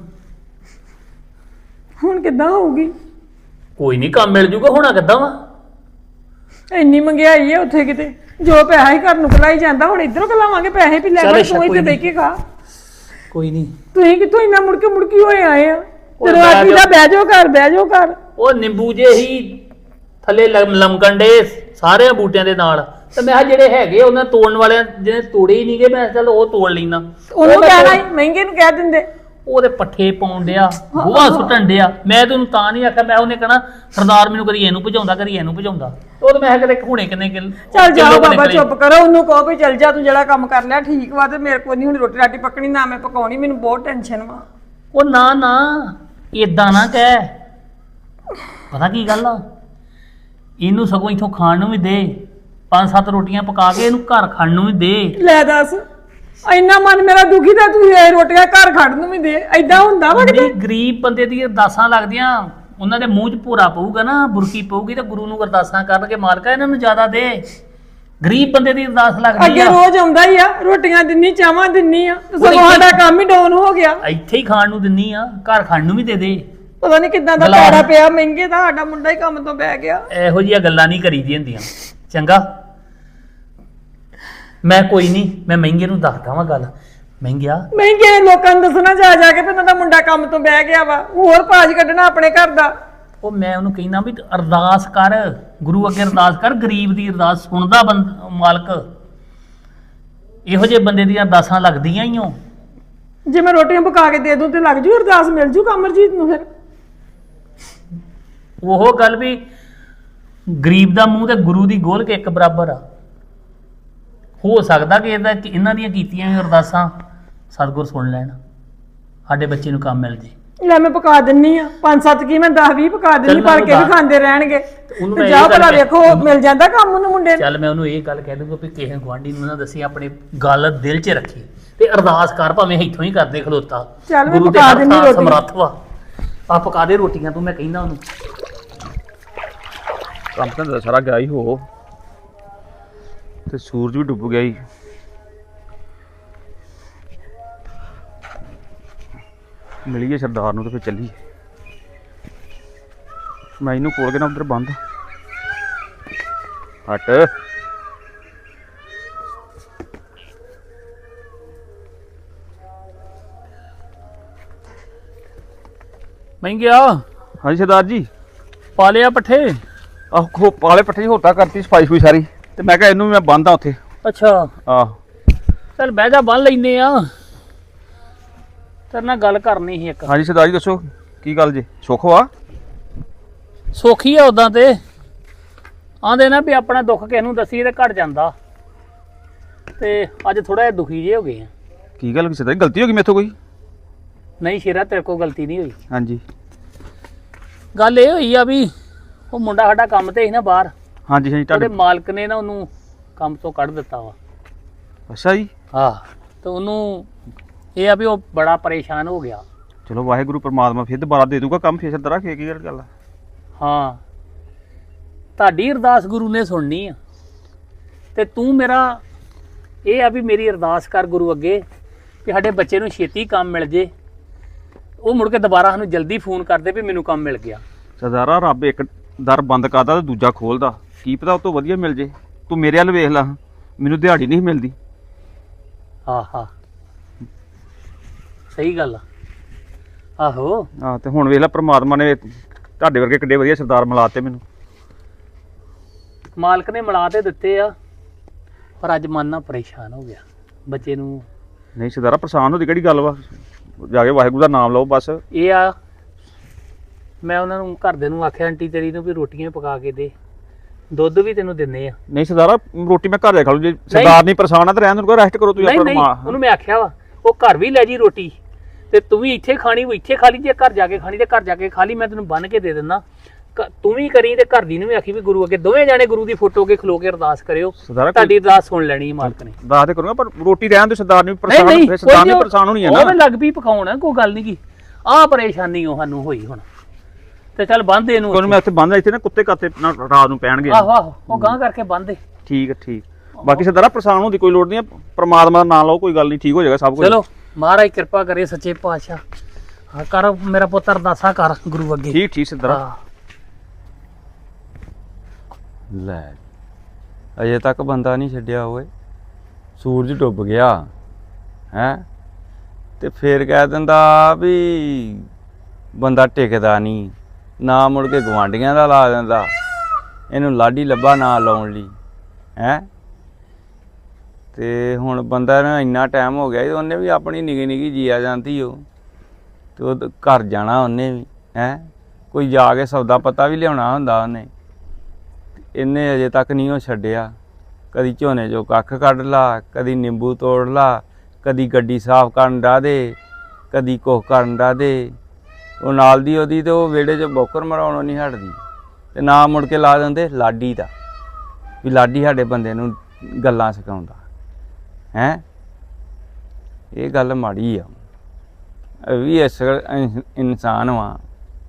Speaker 3: ਹੁਣ ਕਿੱਦਾਂ ਹੋਊਗੀ?
Speaker 4: ਕੋਈ ਨਹੀਂ, ਕੰਮ ਮਿਲ ਜੂਗਾ। ਹੋਣਾ ਕਿੱਦਾਂ ਵਾ?
Speaker 3: ਇੰਨੀ ਮਹਿੰਗਾਈ ਹੈ ਉੱਥੇ, ਕਿਤੇ ਜੋ ਪੈਸਾ ਹੀ ਘਰ ਨੂੰ ਕਲਾਈ ਜਾਂਦਾ, ਹੁਣ ਇਧਰੋਂ ਕਲਾਵਾਂਗੇ ਪੈਸੇ ਵੀ ਲੈ
Speaker 4: ਚੱਲ
Speaker 3: ਕੇ
Speaker 4: ਅੱਛਾ,
Speaker 3: ਤੂੰ ਇੱਥੇ
Speaker 4: ਕੋਈ
Speaker 3: ਬਹਿ ਕੇ ਖਾ।
Speaker 4: ਕੋਈ ਨਹੀਂ।
Speaker 3: ਤੁਸੀਂ ਕਿੱਥੋਂ ਇੰਨਾ ਮੁੜਕੇ ਮੁੜਕੀ ਹੋਏ ਆਏ ਆ?
Speaker 4: ਉਹ
Speaker 3: ਜਦੋਂ
Speaker 4: ਬਹਿ
Speaker 3: ਆਖੀ ਦਾ
Speaker 4: ਜਾਓ।
Speaker 3: ਬਹਿ ਜਾਓ ਘਰ, ਬਹਿ ਜਾਓ ਘਰ।
Speaker 4: ਉਹ ਨਿੰਬੂ ਜੇ ਹੀ ਥੱਲੇ ਲਮ- ਲਮਕਣ ਡੇ ਸਾਰਿਆਂ ਬੂਟਿਆਂ ਦੇ ਨਾਲ, ਤੇ ਮੈਂ ਕਿਹਾ ਜਿਹੜੇ ਹੈਗੇ ਉਹਨਾਂ ਤੋੜਨ ਵਾਲਿਆਂ ਜਿਹਨੇ ਤੋੜੇ ਹੀ ਨਹੀਂਗੇ, ਮੈਂ ਕਿਹਾ ਚੱਲ ਉਹ ਤੋੜ ਲੈਣਾ।
Speaker 3: ਉਹਨੂੰ ਕਹਿਣਾ ਸੀ, ਮਹਿੰਗੇ ਨੂੰ ਕਹਿ ਦਿੰਦੇ।
Speaker 4: ਉਹਦੇ ਪੱਠੇ ਪਾਉਣ ਡਿਆ, ਗੋਹਾ ਸੁੱਟਣ ਡਿਆ। ਮੈਂ ਤੈਨੂੰ ਤਾਂ ਨਹੀਂ ਆਖਿਆ, ਮੈਂ ਉਹਨੇ ਕਹਿਣਾ ਸਰਦਾਰ ਮੈਨੂੰ ਕਦੀ ਇਹਨੂੰ ਭਜਾਉਂਦਾ ਕਦੀ ਇਹਨੂੰ ਭਜਾਉਂਦਾ। ਉਹ ਤੇ ਮੈਂ ਕਿਹਾ ਕਿਤੇ ਹੁਣੇ ਕਿੰਨੇ ਕਿਲ
Speaker 3: ਚੱਲ ਜਾਓ ਬਾਬਾ, ਚੁੱਪ ਕਰੋ। ਉਹਨੂੰ ਕਹੋ ਵੀ ਚੱਲ ਜਾ, ਤੂੰ ਜਿਹੜਾ ਕੰਮ ਕਰ ਲਿਆ ਠੀਕ ਵਾ, ਤੇ ਮੇਰੇ ਕੋਲ ਨਹੀਂ ਹੁਣ ਰੋਟੀ ਰਾਟੀ ਪੱਕਣੀ, ਨਾ ਮੈਂ ਪਕਾਉਣੀ, ਮੈਨੂੰ ਬਹੁਤ ਟੈਨਸ਼ਨ ਵਾ।
Speaker 4: ਉਹ ਨਾ ਨਾ ਏਦਾਂ ਨਾ ਕਹਿ। ਪਤਾ ਕੀ ਗੱਲ ਆ, ਇਹਨੂੰ ਸਗੋਂ ਇੱਥੋਂ ਖਾਣ ਨੂੰ ਵੀ ਦੇ, ਪੰਜ ਸੱਤ ਰੋਟੀਆਂ ਪਕਾ ਕੇ ਇਹਨੂੰ ਘਰ ਖਾਣ ਨੂੰ ਵੀ ਦੇ।
Speaker 3: ਲੈ ਦੱਸ, ਇੰਨਾ ਮਨ ਮੇਰਾ ਦੁਖੀ ਤਾਂ ਤੂੰ ਇਹ ਰੋਟੀਆਂ ਘਰ ਖੜਨ ਨੂੰ ਵੀ ਦੇ। ਐਦਾਂ ਹੁੰਦਾ ਵਾ ਕਿਤੇ?
Speaker 4: ਨਹੀਂ, ਗਰੀਬ ਬੰਦੇ ਦੀ ਅਰਦਾਸਾਂ ਲੱਗਦੀਆਂ, ਉਹਨਾਂ ਦੇ ਮੂੰਹ 'ਚ ਭੋਰਾ ਪਊਗਾ ਨਾ, ਬੁਰਕੀ ਪਊਗੀ, ਤੇ ਗੁਰੂ ਨੂੰ ਅਰਦਾਸਾਂ ਕਰਨਗੇ, ਮਾਲਕਾ ਇਹਨਾਂ ਨੂੰ ਜ਼ਿਆਦਾ ਦੇ। ਗਰੀਬ ਬੰਦੇ ਦੀ ਅਰਦਾਸ ਲੱਗਦੀ
Speaker 3: ਅੱਗੇ
Speaker 4: ਆ।
Speaker 3: ਰੋਜ਼ ਆਉਂਦਾ ਹੀ ਆ, ਰੋਟੀਆਂ ਦਿੰਨੀ, ਚਾਵਾਂ ਦਿੰਨੀ ਆ, ਤੇ ਸਗੋਂ ਸਾਡਾ ਕੰਮ ਹੀ ਡਾਊਨ ਹੋ ਗਿਆ।
Speaker 4: ਇੱਥੇ ਹੀ ਖਾਣ ਨੂੰ ਦਿੰਨੀ ਆ, ਘਰ ਖਾਣ ਨੂੰ ਵੀ ਦੇ ਦੇ।
Speaker 3: ਪਤਾ ਨਹੀਂ ਕਿੱਦਾਂ ਦਾ
Speaker 4: ਗਲਾ-
Speaker 3: ਪੈੜਾ ਪਿਆ, ਮਹਿੰਗੇ ਦਾ ਸਾਡਾ ਮੁੰਡਾ ਹੀ ਕੰਮ ਤੋਂ ਬਹਿ ਗਿਆ।
Speaker 4: ਇਹੋ ਜਿਹੀਆਂ ਗੱਲਾਂ ਨਹੀਂ ਕਰੀਦੀਆਂ ਹੁੰਦੀਆਂ, ਚੰਗਾ? ਮੈਂ ਕੋਈ ਨਹੀਂ, ਮੈਂ ਮਹਿੰਗੇ ਨੂੰ ਦੱਸਦਾ ਵਾਂ ਗੱਲ। ਮਹਿੰਗਿਆ,
Speaker 3: ਮਹਿੰਗੇ ਨੇ ਲੋਕਾਂ ਨੂੰ ਦੱਸਣਾ ਜਾ ਜਾ ਕੇ ਵੀ ਉਹਨਾਂ ਦਾ ਮੁੰਡਾ ਕੰਮ ਤੋਂ ਬਹਿ ਗਿਆ ਵਾ, ਹੋਰ ਭਾਜ ਕੱਢਣਾ ਆਪਣੇ ਘਰ ਦਾ।
Speaker 4: ਉਹ ਮੈਂ ਉਹਨੂੰ ਕਹਿੰਦਾ ਵੀ ਅਰਦਾਸ ਕਰ, ਗੁਰੂ ਅੱਗੇ ਅਰਦਾਸ ਕਰ, ਗਰੀਬ ਦੀ ਅਰਦਾਸ ਸੁਣਦਾ ਬੰਦ ਮਾਲਕ। ਇਹੋ ਜਿਹੇ ਬੰਦੇ ਦੀਆਂ ਅਰਦਾਸਾਂ ਲੱਗਦੀਆਂ ਹੀ ਓ।
Speaker 3: ਜੇ ਮੈਂ ਰੋਟੀਆਂ ਪਕਾ ਕੇ ਦੇ ਦੂੰ ਤੇ ਲੱਗ ਜੂ ਅਰਦਾਸ, ਮਿਲ ਜੂ ਕਮਰਜੀਤ ਨੂੰ। ਫਿਰ
Speaker 4: ਉਹ ਗੱਲ ਵੀ ਗਰੀਬ ਦਾ ਮੂੰਹ ਤੇ ਗੁਰੂ ਦੀ ਗੋਲ ਕੇ ਇੱਕ ਬਰਾਬਰ ਆ। ਹੋ ਸਕਦਾ ਕਿ ਇਹਦਾ ਇਹਨਾਂ ਦੀਆਂ ਕੀਤੀਆਂ ਵੀ ਅਰਦਾਸਾਂ ਸਤਿਗੁਰ ਸੁਣ ਲੈਣ, ਸਾਡੇ ਬੱਚੇ ਨੂੰ ਕੰਮ ਮਿਲ ਜੇ।
Speaker 3: ਲੈ ਮੈਂ ਪਕਾ ਦਿੰਨੀ ਆ, ਪੰਜ ਸੱਤ ਕੀ ਮੈਂ ਦਸ ਵੀਹ ਪਕਾ ਦਿੰਨੀ,
Speaker 4: ਚੱਲ ਮੈਂ
Speaker 3: ਪਰ ਕੇ ਵੀ
Speaker 4: ਉਹਨੂੰ
Speaker 3: ਖਾਂਦੇ ਰਹਿਣਗੇ।
Speaker 4: ਉਹਨੂੰ
Speaker 3: ਤੇ
Speaker 4: ਮੈਂ
Speaker 3: ਜਾ
Speaker 4: ਇਹ ਗੱਲ
Speaker 3: ਭਲਾ
Speaker 4: ਕਹਿ-
Speaker 3: ਵੇਖੋ ਮਿਲ ਜਾਂਦਾ ਕੰਮ ਉਹਨੂੰ ਮੁੰਡੇ ਨੂੰ।
Speaker 4: ਚੱਲ ਮੈਂ ਉਹਨੂੰ ਇਹ ਗੱਲ ਕਹਿ ਦੂੰਗਾ ਵੀ ਕਿਸੇ ਗੁਆਂਢੀ ਨੂੰ ਨਾ ਦੱਸੀ, ਆਪਣੇ ਗੱਲ ਦਿਲ 'ਚ ਰੱਖੀ ਤੇ ਅਰਦਾਸ ਕਰ, ਭਾਵੇਂ ਇੱਥੋਂ ਹੀ ਕਰਦੇ ਖਲੋਤਾ।
Speaker 3: ਚੱਲ ਮੈਂ
Speaker 4: ਗੁਰੂ ਦੇ
Speaker 3: ਪਕਾ
Speaker 4: ਹੱਥ
Speaker 3: ਦਿੰਨੀ
Speaker 4: ਨਾਲ
Speaker 3: ਰੋਟੀ।
Speaker 4: ਸਮਰੱਥ ਵਾ। ਆ ਪਕਾ ਦੇ ਰੋਟੀਆਂ ਤੂੰ, ਮੈਂ ਕਹਿੰਦਾ ਉਹਨੂੰ।
Speaker 1: ਕੰਮ ਤਾਂ ਸਾਰਾ ਗਿਆ ਹੀ ਹੋ, ਤੇ ਸੂਰਜ ਵੀ ਡੁੱਬ ਗਿਆ ਹੀ। ਮਿਲੀਏ ਸਰਦਾਰ ਨੂੰ ਤੇ ਫਿਰ ਚੱਲੀਏ। ਮੈਂ ਇਹਨੂੰ ਕੋਲ ਕੇ ਨਾ ਉਧਰ ਬੰਦ ਹਟ।
Speaker 4: ਮੈਂ ਗਿਆ
Speaker 1: ਹਾਂਜੀ ਸਰਦਾਰ ਜੀ।
Speaker 4: ਪਾ ਲਿਆ ਪੱਠੇ।
Speaker 1: ਆਹ ਖੋ ਪਾਲੇ ਪੱਠੇ ਦੀ ਹੋਤਾ ਕਰਤੀ ਸਫਾਈ ਸਫੂਈ ਸਾਰੀ, ਤੇ ਮੈਂ ਕਿਹਾ ਇਹਨੂੰ ਵੀ ਮੈਂ ਬੰਨਦਾ ਉੱਥੇ।
Speaker 4: ਅੱਛਾ
Speaker 1: ਆਹ
Speaker 4: ਚੱਲ ਬਹਿ ਜਾ, ਬੰਨ ਲੈਨੇ ਆ। ਤੇਰੇ ਨਾਲ ਗੱਲ ਕਰਨੀ ਸੀ ਇੱਕ।
Speaker 1: ਹਾਂਜੀ ਸਰਦਾਰ ਜੀ ਦੱਸੋ ਕੀ ਗੱਲ ਜੀ? ਸੁੱਖ ਵਾ?
Speaker 4: ਸੌਖੀ ਆ ਉਦਾਂ ਤੇ, ਆਂਦੇ ਨਾ ਵੀ ਆਪਣਾ ਦੁੱਖ ਕਿਸੇ ਨੂੰ ਦੱਸੀਏ ਤੇ ਘਟ ਜਾਂਦਾ, ਤੇ ਅੱਜ ਥੋੜਾ ਜਿਹਾ ਦੁਖੀ ਜੇ ਹੋ ਗਏ ਆ।
Speaker 1: ਕੀ ਗੱਲ ਸਰਦਾਰ ਜੀ, ਗਲਤੀ ਹੋ ਗਈ ਮੇਥੋਂ ਕੋਈ?
Speaker 4: ਨਹੀਂ ਸ਼ੇਰਾ, ਤੇਰੇ ਕੋਲ ਗਲਤੀ ਨਹੀਂ ਹੋਈ।
Speaker 1: ਹਾਂਜੀ
Speaker 4: ਗੱਲ ਇਹ ਹੋਈ ਆ ਵੀ ਉਹ ਮੁੰਡਾ ਸਾਡਾ ਕੰਮ ਤੇ ਸੀ ਨਾ ਬਾਹਰ,
Speaker 1: ਹਾਂਜੀ ਹਾਂਜੀ
Speaker 4: ਉਹਦੇ
Speaker 1: ਤੁਹਾਡੇ।
Speaker 4: ਮਾਲਕ ਨੇ ਨਾ ਉਹਨੂੰ ਕੰਮ ਤੋਂ ਕੱਢ ਦਿੱਤਾ ਵਾ।
Speaker 1: ਅੱਛਾ ਜੀ।
Speaker 4: ਹਾਂ, ਤੇ ਉਹਨੂੰ ਇਹ ਆ ਵੀ ਉਹ ਬੜਾ ਪਰੇਸ਼ਾਨ ਹੋ ਗਿਆ।
Speaker 1: ਚਲੋ ਵਾਹਿਗੁਰੂ ਪਰਮਾਤਮਾ ਫਿਰ ਦੁਬਾਰਾ ਦੇ ਦੂਗਾ ਕੰਮ। ਫਿਰ ਸਰਦਾਰਾ ਕੀ ਕੀ ਗੱਲ ਆ?
Speaker 4: ਹਾਂ, ਤੁਹਾਡੀ ਅਰਦਾਸ ਗੁਰੂ ਨੇ ਸੁਣਨੀ ਆ, ਤੇ ਤੂੰ ਮੇਰਾ ਇਹ ਆ ਵੀ ਮੇਰੀ ਅਰਦਾਸ ਕਰ ਗੁਰੂ ਅੱਗੇ ਕਿ ਸਾਡੇ ਬੱਚੇ ਨੂੰ ਛੇਤੀ ਕੰਮ ਮਿਲ ਜੇ। ਉਹ ਮੁੜ ਕੇ ਦੁਬਾਰਾ ਸਾਨੂੰ ਜਲਦੀ ਫੋਨ ਕਰਦੇ ਵੀ ਮੈਨੂੰ ਕੰਮ ਮਿਲ ਗਿਆ।
Speaker 1: ਸਰਦਾਰਾ ਰੱਬ ਇੱਕ ਦਰ ਬੰਦ ਕਰਦਾ ਤੇ ਦੂਜਾ ਖੋਲਦਾ, ਕੀ ਪਤਾ ਉਹ ਤੋਂ ਵਧੀਆ ਮਿਲ ਜੇ। ਤੂੰ ਮੇਰੇ ਵੱਲ ਵੇਖ ਲਾ, ਮੈਨੂੰ ਦਿਹਾੜੀ ਨਹੀਂ ਮਿਲਦੀ।
Speaker 4: ਹਾਂ ਹਾਂ, ਸਹੀ ਗੱਲ ਆ। ਆਹੋ
Speaker 1: ਹਾਂ, ਤੇ ਹੁਣ ਵੇਖ ਲਾ ਪ੍ਰਮਾਤਮਾ ਨੇ ਤੁਹਾਡੇ ਵਰਗੇ ਕਿੱਡੇ ਵਧੀਆ ਸਰਦਾਰ ਮਿਲਾਤੇ ਮੈਨੂੰ।
Speaker 4: ਮਾਲਕ ਨੇ ਮਿਲਾ ਤੇ ਦਿੱਤੇ ਆ, ਪਰ ਅੱਜ ਮਨ ਨਾ ਪਰੇਸ਼ਾਨ ਹੋ ਗਿਆ ਬੱਚੇ ਨੂੰ।
Speaker 1: ਨਹੀਂ ਸਰਦਾਰਾ ਪਰੇਸ਼ਾਨ ਹੋਦੀ ਕਿਹੜੀ ਗੱਲ ਵਾ? ਜਾ ਕੇ ਵਾਹਿਗੁਰੂ ਦਾ ਨਾਮ ਲਓ ਬਸ।
Speaker 4: ਇਹ ਆ, ਮੈਂ ਉਹਨਾਂ ਨੂੰ ਘਰਦੇ ਨੂੰ ਆਖਿਆ ਆਂਟੀ ਤੇਰੀ ਨੂੰ ਵੀ ਰੋਟੀਆਂ ਪਕਾ ਕੇ ਦੇ, ਦੁੱਧ ਵੀ ਤੈਨੂੰ ਦਿੰਦੇ ਆ।
Speaker 1: ਨਹੀਂ ਸਰਦਾਰਾ ਰੋਟੀ ਮੈਂ ਘਰ ਜਾ ਖਾ ਲੂ, ਜੇ ਸਰਦਾਰ ਨਹੀਂ ਪਰੇਸ਼ਾਨ ਆ ਤਾਂ ਰਹਿਣ ਨੂੰ ਰੈਸਟ ਕਰੋ ਤੁਸੀਂ
Speaker 4: ਨਹੀਂ
Speaker 1: ਆਪਣਾ।
Speaker 4: ਨਹੀਂ, ਉਹਨੂੰ ਮੈਂ ਆਖਿਆ ਵਾ ਉਹ ਘਰ ਵੀ ਲੈ ਜੀ ਰੋਟੀ, ਤੇ ਤੂੰ ਵੀ ਇੱਥੇ ਖਾਣੀ ਉਹ ਇੱਥੇ ਖਾ ਲਈ, ਜੇ ਘਰ ਜਾ ਕੇ ਖਾਣੀ ਤੇ ਘਰ ਜਾ ਕੇ ਖਾ ਲਈ, ਮੈਂ ਤੈਨੂੰ ਬੰਨ ਕੇ ਦੇ ਦਿੰਦਾ। ਕ- ਤੂੰ ਵੀ ਕਰੀ ਤੇ ਘਰ ਦੀ ਨੂੰ ਵੀ ਆਖੀ ਵੀ ਗੁਰੂ ਅੱਗੇ ਦੋਵੇਂ ਜਾਣੇ ਗੁਰੂ ਦੀ ਫੋਟੋ ਅੱਗੇ ਖਲੋ ਕੇ ਅਰਦਾਸ ਕਰਿਓ,
Speaker 1: ਸਰਦਾਰਾ
Speaker 4: ਤੁਹਾਡੀ ਅਰਦਾਸ ਸੁਣ ਲੈਣੀ ਹੈ ਮਾਲਕ ਨੇ।
Speaker 1: ਦੱਸ ਤੇ ਕਰੂੰਗਾ, ਪਰ ਰੋਟੀ ਰਹਿਣ ਦੇ। ਸਰਦਾਰ ਨੇ ਵੀ
Speaker 4: ਨਹੀਂ
Speaker 1: ਪਰੇਸ਼ਾਨ,
Speaker 4: ਨਹੀਂ,
Speaker 1: ਫਿਰ ਸਰਦਾਰ
Speaker 4: ਕੋਈ
Speaker 1: ਨੇ ਪਰੇਸ਼ਾਨ ਹੋਣੀ ਹੈ
Speaker 4: ਉਹ
Speaker 1: ਨਾ।
Speaker 4: ਲੱਗ ਪਈ ਪਕਾਉਣ, ਕੋਈ ਗੱਲ ਨਹੀਂ ਕੀ। ਆਹ ਪਰੇਸ਼ਾਨੀ ਉਹ ਸਾਨੂੰ ਹੋਈ ਹੁਣ, ਤੇ ਚੱਲ ਬੰਦ ਇਹਨੂੰ
Speaker 1: ਕੋਈ ਨੀ, ਮੈਂ ਇੱਥੇ ਬੰਦ ਇੱਥੇ ਨਾ ਕੁੱਤੇ ਕਾਤੇ ਨਾ ਰਾਤ ਨੂੰ ਪੈਣਗੇ।
Speaker 4: ਆਹੋ ਆਹੋ, ਉਹ ਗਾਂ ਕਰਕੇ ਬੰਦ ਦੇ।
Speaker 1: ਠੀਕ ਹੈ ਠੀਕ। ਬਾਕੀ ਸਰਦਾਰਾ ਪਰੇਸ਼ਾਨ ਹੋਣ ਦੀ ਕੋਈ ਲੋੜ ਨਹੀਂ, ਪ੍ਰਮਾਤਮਾ ਦਾ ਨਾਮ ਲਓ, ਕੋਈ ਗੱਲ ਨਹੀਂ, ਠੀਕ ਹੋ ਜਾਏਗਾ ਸਭ ਕੁਝ।
Speaker 4: ਚਲੋ ਮਹਾਰਾਜ ਕਿਰਪਾ ਕਰੇ ਸੱਚੇ ਪਾਤਸ਼ਾਹ। ਹਾਂ ਕਰ ਮੇਰਾ ਪੁੱਤ ਅਰਦਾਸਾਂ ਕਰ ਗੁਰੂ ਅੱਗੇ।
Speaker 1: ਠੀਕ ਠੀਕ ਸਰਦਾਰਾ।
Speaker 4: ਹਾਂ।
Speaker 5: ਲੈ ਅਜੇ ਤੱਕ ਬੰਦਾ ਨਹੀਂ ਛੱਡਿਆ ਓਏ, ਸੂਰਜ ਡੁੱਬ ਗਿਆ ਹੈ ਤੇ ਫੇਰ ਕਹਿ ਦਿੰਦਾ ਵੀ ਬੰਦਾ ਟਿਕਦਾ ਨਹੀਂ, ਨਾ ਮੁੜ ਕੇ ਗਵਾਂਢੀਆਂ ਦਾ ਲਾ ਦਿੰਦਾ, ਇਹਨੂੰ ਲਾਡੀ ਲੱਭਾ ਨਾ ਲਾਉਣ ਲਈ ਹੈ। ਤੇ ਹੁਣ ਬੰਦਾ ਨੂੰ ਇੰਨਾ ਟਾਈਮ ਹੋ ਗਿਆ ਤੇ ਉਹਨੇ ਵੀ ਆਪਣੀ ਨਿੱਕੀ ਨਿੱਕੀ ਜੀਆ ਜਾਂਦੀ ਉਹ, ਤੇ ਉਹ ਘਰ ਜਾਣਾ ਉਹਨੇ ਵੀ ਹੈ, ਕੋਈ ਜਾ ਕੇ ਸੌਦਾ ਪਤਾ ਵੀ ਲਿਆਉਣਾ ਹੁੰਦਾ ਉਹਨੇ। ਇਹਨੇ ਅਜੇ ਤੱਕ ਨਹੀਂ ਉਹ ਛੱਡਿਆ, ਕਦੀ ਝੋਨੇ ਚੋਂ ਕੱਖ ਕੱਢ ਲਾ, ਕਦੀ ਨਿੰਬੂ ਤੋੜ ਲਾ, ਕਦੀ ਗੱਡੀ ਸਾਫ਼ ਕਰਨ ਡਾ ਦੇ, ਕਦੀ ਕੁਛ ਕਰਨ ਡਾ ਦੇ। ਉਹ ਨਾਲ ਦੀ ਉਹਦੀ ਤੇ ਉਹ ਵਿਹੜੇ 'ਚ ਬੋਕਰ ਮਰਾਉਣੋਂ ਨਹੀਂ ਹਟਦੀ, ਤੇ ਨਾ ਮੁੜ ਕੇ ਲਾ ਦਿੰਦੇ ਲਾਡੀ ਦਾ, ਵੀ ਲਾਡੀ ਸਾਡੇ ਬੰਦੇ ਨੂੰ ਗੱਲਾਂ ਸਿਖਾਉਂਦਾ ਹੈ। ਇਹ ਗੱਲ ਮਾੜੀ ਆ, ਇਹ ਵੀ ਇਸ ਇਨਸਾਨ ਵਾ,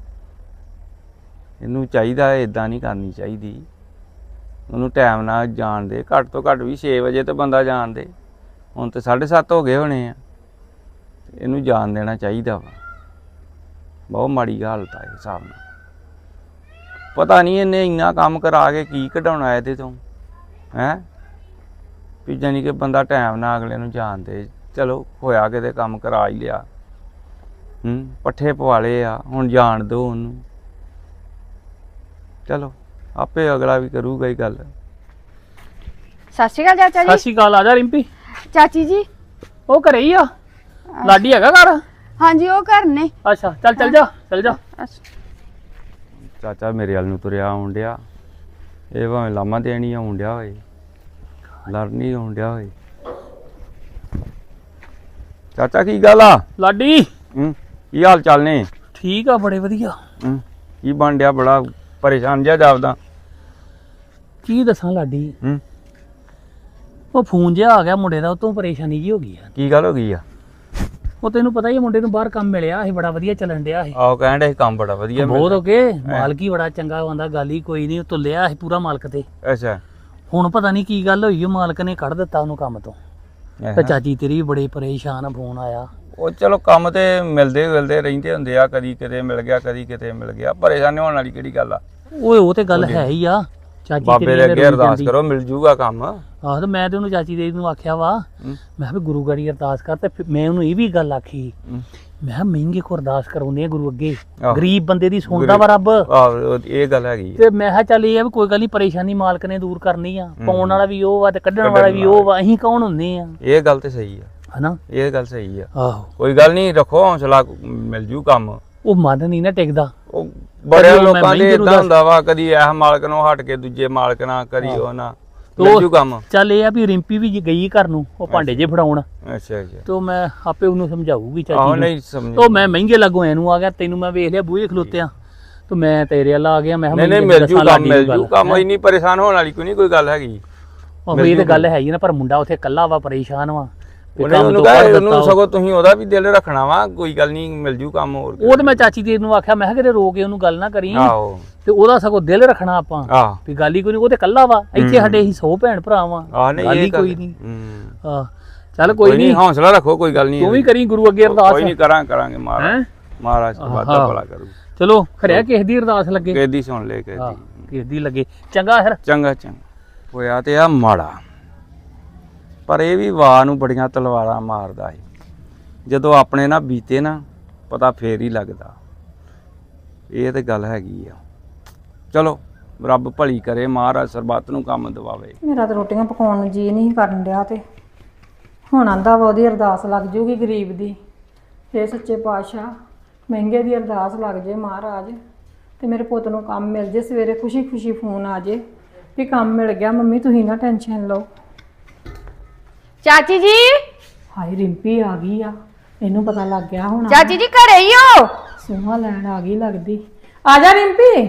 Speaker 5: ਇਹਨੂੰ ਚਾਹੀਦਾ ਇਦਾਂ ਨਹੀਂ ਕਰਨੀ ਚਾਹੀਦੀ। ਉਹਨੂੰ ਟਾਈਮ ਨਾਲ ਜਾਣ ਦੇ, ਘੱਟ ਤੋਂ ਘੱਟ ਵੀ ਛੇ ਵਜੇ ਤੇ ਬੰਦਾ ਜਾਣ ਦੇ। ਹੁਣ ਤੇ ਸਾਢੇ ਸੱਤ ਹੋ ਗਏ ਹੋਣੇ ਆ, ਇਹਨੂੰ ਜਾਣ ਦੇਣਾ ਚਾਹੀਦਾ ਵਾ। ਬਹੁਤ ਮਾੜੀ ਹਾਲਤ ਆ ਇਸ ਹਿਸਾਬ ਨਾਲ। ਪਤਾ ਨਹੀਂ ਇਹਨੇ ਇੰਨਾ ਕੰਮ ਕਰਾ ਕੇ ਕੀ ਕਢਾਉਣਾ ਇਹਦੇ ਤੋਂ ਹੈ, ਵੀ ਜਾਨੀ ਕਿ ਬੰਦਾ ਟਾਈਮ ਨਾਲ ਅਗਲੇ ਨੂੰ ਜਾਣ ਦੇ। ਚਲੋ ਹੋਇਆ ਕਿਤੇ ਕੰਮ ਕਰਾ ਹੀ ਲਿਆ, ਹੂੰ ਪੱਠੇ ਪਵਾਲੇ ਆ, ਹੁਣ ਜਾਣ ਦਿਓ ਉਹਨੂੰ। ਚਲੋ ਆਪੇ ਅਗਲਾ ਵੀ ਕਰੂਗਾ ਹੀ ਗੱਲ।
Speaker 6: ਸਤਿ ਸ਼੍ਰੀ ਅਕਾਲ ਚਾਚਾ
Speaker 4: ਸਤਿ
Speaker 6: ਜੀ।
Speaker 4: ਸ਼੍ਰੀ ਅਕਾਲ। ਆ ਜਾ ਰਿੰਪੀ।
Speaker 6: ਚਾਚੀ ਜੀ
Speaker 4: ਉਹ ਘਰੇ ਹੀ ਆ, ਲਾਡੀ ਹੈਗਾ ਘਰ?
Speaker 6: ਹਾਂਜੀ ਉਹ ਘਰ ਨੇ।
Speaker 4: ਅੱਛਾ ਚੱਲ ਚੱਲ ਜਾ ਚੱਲ ਜਾ।
Speaker 5: ਚਾਚਾ ਮੇਰੇ ਵੱਲ ਨੂੰ ਤੁਰਿਆ ਆਉਣ ਡਿਆ, ਇਹ ਭਾਵੇਂ ਲਾਮਾ ਦੇਣੀ ਆਉਣ ਡਿਆ ਹੋਏ, ਲੜਨੀ ਆਉਣ ਡਿਆ ਹੋਏ। ਚਾਚਾ ਕੀ ਗੱਲ ਆ
Speaker 4: ਲਾਡੀ
Speaker 5: ਹੂੰ ਕੀ ਹਾਲ ਚਾਲ ਨੇ
Speaker 4: ਠੀਕ ਆ ਬੜੇ ਵਧੀਆ।
Speaker 5: ਹੂੰ ਕੀ ਬਣ ਡਿਆ ਬੜਾ ਪਰੇਸ਼ਾਨ ਜਿਹਾ ਜਾਪਦਾ
Speaker 4: ਕੀ ਦੱਸਾਂ ਲਾਡੀ
Speaker 5: ਹੂੰ
Speaker 4: ਉਹ ਫੋਨ ਜਿਹਾ ਆ ਗਿਆ ਮੁੰਡੇ ਦਾ, ਉਹ ਤੋਂ ਪਰੇਸ਼ਾਨੀ ਜੀ ਹੋ ਗਈ ਆ।
Speaker 5: ਕੀ ਗੱਲ ਹੋ ਗਈ ਆ
Speaker 4: ਉਹ ਤੈਨੂੰ ਪਤਾ ਹੀ ਆ, ਮੁੰਡੇ ਨੂੰ ਬਾਹਰ ਕੰਮ ਮਿਲਿਆ ਇਹ ਬੜਾ ਵਧੀਆ ਚੱਲਣ ਡਿਆ ਇਹ
Speaker 5: ਆਹੋ ਕਹਿਣ ਡਿਆ ਸੀ ਕੰਮ ਬੜਾ ਵਧੀਆ
Speaker 4: ਬਹੁਤ ਹੋ
Speaker 5: ਮਿਲਦਾ।
Speaker 4: ਗਏ, ਮਾਲਕ ਹੀ ਬੜਾ ਚੰਗਾ ਆਉਂਦਾ, ਗੱਲ ਹੀ ਕੋਈ ਨਹੀਂ, ਤੁਲਿਆ ਇਹ ਪੂਰਾ ਮਾਲਕ ਤੇ।
Speaker 5: ਅੱਛਾ
Speaker 4: ਹੁਣ ਪਤਾ ਨਹੀਂ ਕੀ ਗੱਲ ਹੋਈ, ਉਹ ਮਾਲਕ ਨੇ ਕੱਢ ਦਿੱਤਾ ਉਹਨੂੰ ਕੰਮ ਤੋਂ। ਤੇ
Speaker 5: ਐਹਾਂ।
Speaker 4: ਚਾਚੀ ਤੇਰੀ ਵੀ ਬੜੇ ਪਰੇਸ਼ਾਨ ਆ, ਫੋਨ ਆਇਆ।
Speaker 5: ਉਹ ਚਲੋ ਕੰਮ ਤੇ ਮਿਲਦੇ ਮਿਲਦੇ ਰਹਿੰਦੇ ਹੁੰਦੇ ਆ, ਕਦੀ ਕਿਤੇ ਮਿਲ ਗਿਆ ਕਦੀ ਕਿਤੇ ਮਿਲ ਗਿਆ, ਪਰੇਸ਼ਾਨ ਹੋਣ ਵਾਲੀ ਕਿਹੜੀ ਗੱਲ ਆ।
Speaker 4: ਓਏ ਉਹ ਤੇ ਗੱਲ ਹੈ ਹੀ ਆ, ਚਾਚੀ
Speaker 5: ਬਾਬੇ
Speaker 4: ਤੇਰੀ
Speaker 5: ਦੇ
Speaker 4: ਨੇ
Speaker 5: ਅੱਗੇ
Speaker 4: ਰੋਈ
Speaker 5: ਅਰਦਾਸ
Speaker 4: ਜਾਂਦੀ।
Speaker 5: ਕਰੋ ਮਿਲ ਜੂਗਾ ਕੰਮ।
Speaker 4: ਆਹ ਤੇ ਮੈਂ ਤੇ ਉਹਨੂੰ ਚਾਚੀ ਦੇ ਨੂੰ ਆਖਿਆ ਵਾ,
Speaker 5: ਹੂੰ।
Speaker 4: ਮੈਂ ਵੀ ਗੁਰੂ ਗਾੜੀ ਅਰਦਾਸ ਕਰ, ਤੇ ਫਿਰ ਮੈਂ ਉਹਨੂੰ ਇਹ ਵੀ ਗੱਲ ਆਖੀ,
Speaker 5: ਹੂੰ।
Speaker 4: ਮੈਂ ਕਿਹਾ ਮਹਿੰਗੇ ਕੋ ਅਰਦਾਸ ਕਰਾਉਂਦੇ ਆ ਗੁਰੂ ਅੱਗੇ,
Speaker 5: ਆਹੋ।
Speaker 4: ਗਰੀਬ ਬੰਦੇ ਦੀ ਸੁਣਦਾ ਵਾ ਰੱਬ।
Speaker 5: ਆਹੋ ਇਹ ਗੱਲ ਹੈਗੀ ਆ।
Speaker 4: ਤੇ ਮੈਂ ਕਿਹਾ ਚੱਲ ਇਹ ਆ ਵੀ ਕੋਈ ਗੱਲ ਨਹੀਂ, ਪਰੇਸ਼ਾਨੀ ਮਾਲਕ ਨੇ ਦੂਰ ਕਰਨੀ ਆ, ਪਾਉਣ ਵਾਲਾ ਵੀ ਉਹ ਵਾ ਤੇ ਕੱਢਣ ਵਾਲਾ ਵੀ ਉਹ ਵਾ, ਅਸੀਂ ਕੌਣ ਹੁੰਦੇ ਆ,
Speaker 5: ਇਹ ਗੱਲ ਤੇ ਸਹੀ ਆ,
Speaker 4: ਹਨਾ।
Speaker 5: ਇਹ ਗੱਲ ਸਹੀ ਆ।
Speaker 4: ਆਹੋ
Speaker 5: ਕੋਈ ਗੱਲ ਨਹੀਂ, ਰੱਖੋ ਹੌਸਲਾ, ਮਿਲ ਜੂ ਕੰਮ।
Speaker 4: ਉਹ ਮਨ ਨਹੀਂ ਨਾ ਟਿਕਦਾ।
Speaker 5: ਉਹ ਬੜੇ
Speaker 4: ਉਹ ਮੈਂ
Speaker 5: ਲੋਕਾਂ ਦੇ
Speaker 4: ਮਹਿੰਗੇ ਨੂੰ
Speaker 5: ਇਦਾਂ
Speaker 4: ਦੱਸ-
Speaker 5: ਹੁੰਦਾ ਵਾ, ਕਦੀ ਇਹ ਮਾਲਕ ਨੂੰ ਹਟ ਕੇ ਦੂਜੇ ਮਾਲਕ ਨਾਲ, ਕਦੀ ਉਹ ਨਾ, ਮਿਲ
Speaker 4: ਉਹ-
Speaker 5: ਜੂ ਕੰਮ।
Speaker 4: ਚੱਲ ਇਹ ਆ ਵੀ ਰਿੰਪੀ ਵੀ ਗਈ ਘਰ ਨੂੰ, ਉਹ ਭਾਂਡੇ ਜੇ ਫੜਾਉਣ,
Speaker 5: ਅੱਛਾ ਅੱਛਾ
Speaker 4: ਤੇ ਮੈਂ ਆਪੇ ਉਹਨੂੰ ਸਮਝਾਊਗੀ
Speaker 5: ਆਹੋ
Speaker 4: ਚਾਚੀ ਨੂੰ।
Speaker 5: ਨਹੀਂ ਸਮਝ
Speaker 4: ਉਹ ਮੈਂ ਮਹਿੰਗੇ ਲੱਗੋ ਇਹਨੂੰ ਆ ਗਿਆ, ਤੈਨੂੰ ਮੈਂ ਵੇਖ ਲਿਆ ਬੂਹੇ ਖਲੋਤਿਆਂ, ਤੇ ਮੈਂ ਤੇਰੇ ਵੱਲ ਆ ਗਿਆ, ਮੈਂ
Speaker 5: ਨਹੀਂ ਨਹੀਂ ਮਿਲ ਜੂ ਕੰਮ, ਮਿਲ ਜੂ ਕੰਮ, ਇੰਨੀ ਪਰੇਸ਼ਾਨ ਹੋਣ ਵਾਲੀ ਕੋਈ ਨਹੀਂ ਕੋਈ ਗੱਲ ਹੈਗੀ।
Speaker 4: ਉਹ ਇਹ ਤੇ ਗੱਲ ਹੈ ਹੀ ਨਾ, ਪਰ ਮੁੰਡਾ ਉੱਥੇ ਇਕੱਲਾ ਵਾ, ਪਰੇਸ਼ਾਨ ਵਾ, ਵੀ
Speaker 5: ਉਹਨੇ
Speaker 4: ਕੰਮ
Speaker 5: ਉਹਨੂੰ
Speaker 4: ਤੋਂ
Speaker 5: ਕਹੇ,
Speaker 4: ਕੱਢ
Speaker 5: ਉਹਨੂੰ
Speaker 4: ਦਿੱਤਾ।
Speaker 5: ਸਗੋਂ ਤੁਸੀਂ ਉਹਦਾ ਵੀ ਦਿਲ ਰੱਖਣਾ ਵਾ, ਕੋਈ ਗੱਲ ਨਹੀਂ ਮਿਲ ਜੂ ਕੰਮ। ਹੋਰ
Speaker 4: ਉਹ ਤੇ ਮੈਂ ਚਾਚੀ ਤੇਰੀ ਨੂੰ ਆਖਿਆ, ਮੈਂ ਕਿਹਾ ਕਿਤੇ ਰੋ ਕੇ ਉਹਨੂੰ ਗੱਲ ਨਾ ਕਰੀ,
Speaker 5: ਆਹੋ
Speaker 4: ਤੇ ਉਹਦਾ ਸਗੋਂ ਦਿਲ ਰੱਖਣਾ ਆਪਾਂ,
Speaker 5: ਆਹ
Speaker 4: ਵੀ ਗੱਲ ਹੀ ਕੋਈ ਨਹੀਂ, ਉਹ ਤੇ ਇਕੱਲਾ ਵਾ, ਇੱਥੇ ਸਾਡੇ ਹੀ ਸੌ ਭੈਣ ਭਰਾ ਵਾ,
Speaker 5: ਆਹ ਨਹੀਂ
Speaker 4: ਗੱਲ ਹੀ
Speaker 5: ਇਹ
Speaker 4: ਕੋਈ ਨਹੀਂ।
Speaker 5: ਹੂੰ
Speaker 4: ਆਹ ਚੱਲ ਕੋਈ ਨਹੀਂ,
Speaker 5: ਹੌਸਲਾ ਰੱਖੋ, ਕੋਈ ਗੱਲ ਨਹੀਂ।
Speaker 4: ਤੂੰ ਵੀ ਕਰੀ ਗੁਰੂ ਅੱਗੇ ਅਰਦਾਸ।
Speaker 5: ਕੋਈ ਨਹੀਂ ਕਰਾਂ ਕਰਾਂਗੇ, ਮਹਾਰਾਜ
Speaker 4: ਹੈਂ?
Speaker 5: ਮਹਾਰਾਜ ਤੋਂ ਵਾਦਾ
Speaker 4: ਆਹਾ।
Speaker 5: ਭਲਾ ਕਰੂ।
Speaker 4: ਚਲੋ ਖਰਿਆ ਕਿਸੇ ਦੀ ਅਰਦਾਸ ਲੱਗੇ,
Speaker 5: ਕਿਸੇ ਦੀ ਸੁਣ ਲੈ, ਕਿਸੇ
Speaker 4: ਹਾਂ
Speaker 5: ਦੀ।
Speaker 4: ਕਿਸੇ ਦੀ ਲੱਗੇ, ਚੰਗਾ ਫਿਰ।
Speaker 5: ਚੰਗਾ ਚੰਗਾ ਹੋਇਆ ਤੇ ਆ ਮਾੜਾ, ਪਰ ਇਹ ਵੀ ਵਾਹ ਨੂੰ ਬੜੀਆਂ ਤਲਵਾਰਾਂ ਮਾਰਦਾ ਏ। ਜਦੋਂ ਆਪਣੇ ਨਾਲ ਬੀਤੇ ਨਾ, ਪਤਾ ਫੇਰ ਹੀ ਲੱਗਦਾ। ਇਹ ਤੇ ਗੱਲ ਹੈਗੀ ਆ। ਚਲੋ ਰੱਬ ਭਲੀ ਕਰੇ, ਮਹਾਰਾਜ ਸਰਬੱਤ ਨੂੰ ਕੰਮ ਦਿਵਾਵੇ।
Speaker 3: ਮੇਰਾ ਤਾਂ ਰੋਟੀਆਂ ਪਕਾਉਣ ਨੂੰ ਜੀ ਨਹੀਂ ਕਰਨ ਡਿਆ, ਤੇ ਹੁਣ ਆਂਦਾ ਵਾ ਉਹਦੀ ਅਰਦਾਸ ਲੱਗ ਜੂਗੀ ਗਰੀਬ ਦੀ। ਹੇ ਸੱਚੇ ਪਾਤਸ਼ਾਹ, ਮਹਿੰਗੇ ਦੀ ਅਰਦਾਸ ਲੱਗ ਜੇ ਮਹਾਰਾਜ, ਤੇ ਮੇਰੇ ਪੁੱਤ ਨੂੰ ਕੰਮ ਮਿਲ ਜੇ। ਸਵੇਰੇ ਖੁਸ਼ੀ ਖੁਸ਼ੀ ਫੋਨ ਆ ਜੇ ਵੀ ਕੰਮ ਮਿਲ ਗਿਆ, ਮੰਮੀ ਤੁਸੀਂ ਨਾ ਟੈਨਸ਼ਨ ਲਓ।
Speaker 6: ਚਾਚੀ ਜੀ,
Speaker 3: ਹਾਏ ਰਿੰਪੀ ਆ ਗਈ ਆ, ਇਹਨੂੰ ਪਤਾ ਲੱਗ ਗਿਆ ਹੁਣ।
Speaker 6: ਚਾਚੀ ਜੀ ਘਰੇ ਹੀ ਹੋ?
Speaker 3: ਸੋਹਾ ਲੈਣ ਆ ਗਈ ਲੱਗਦੀ। ਆ ਜਾ ਰਿੰਪੀ।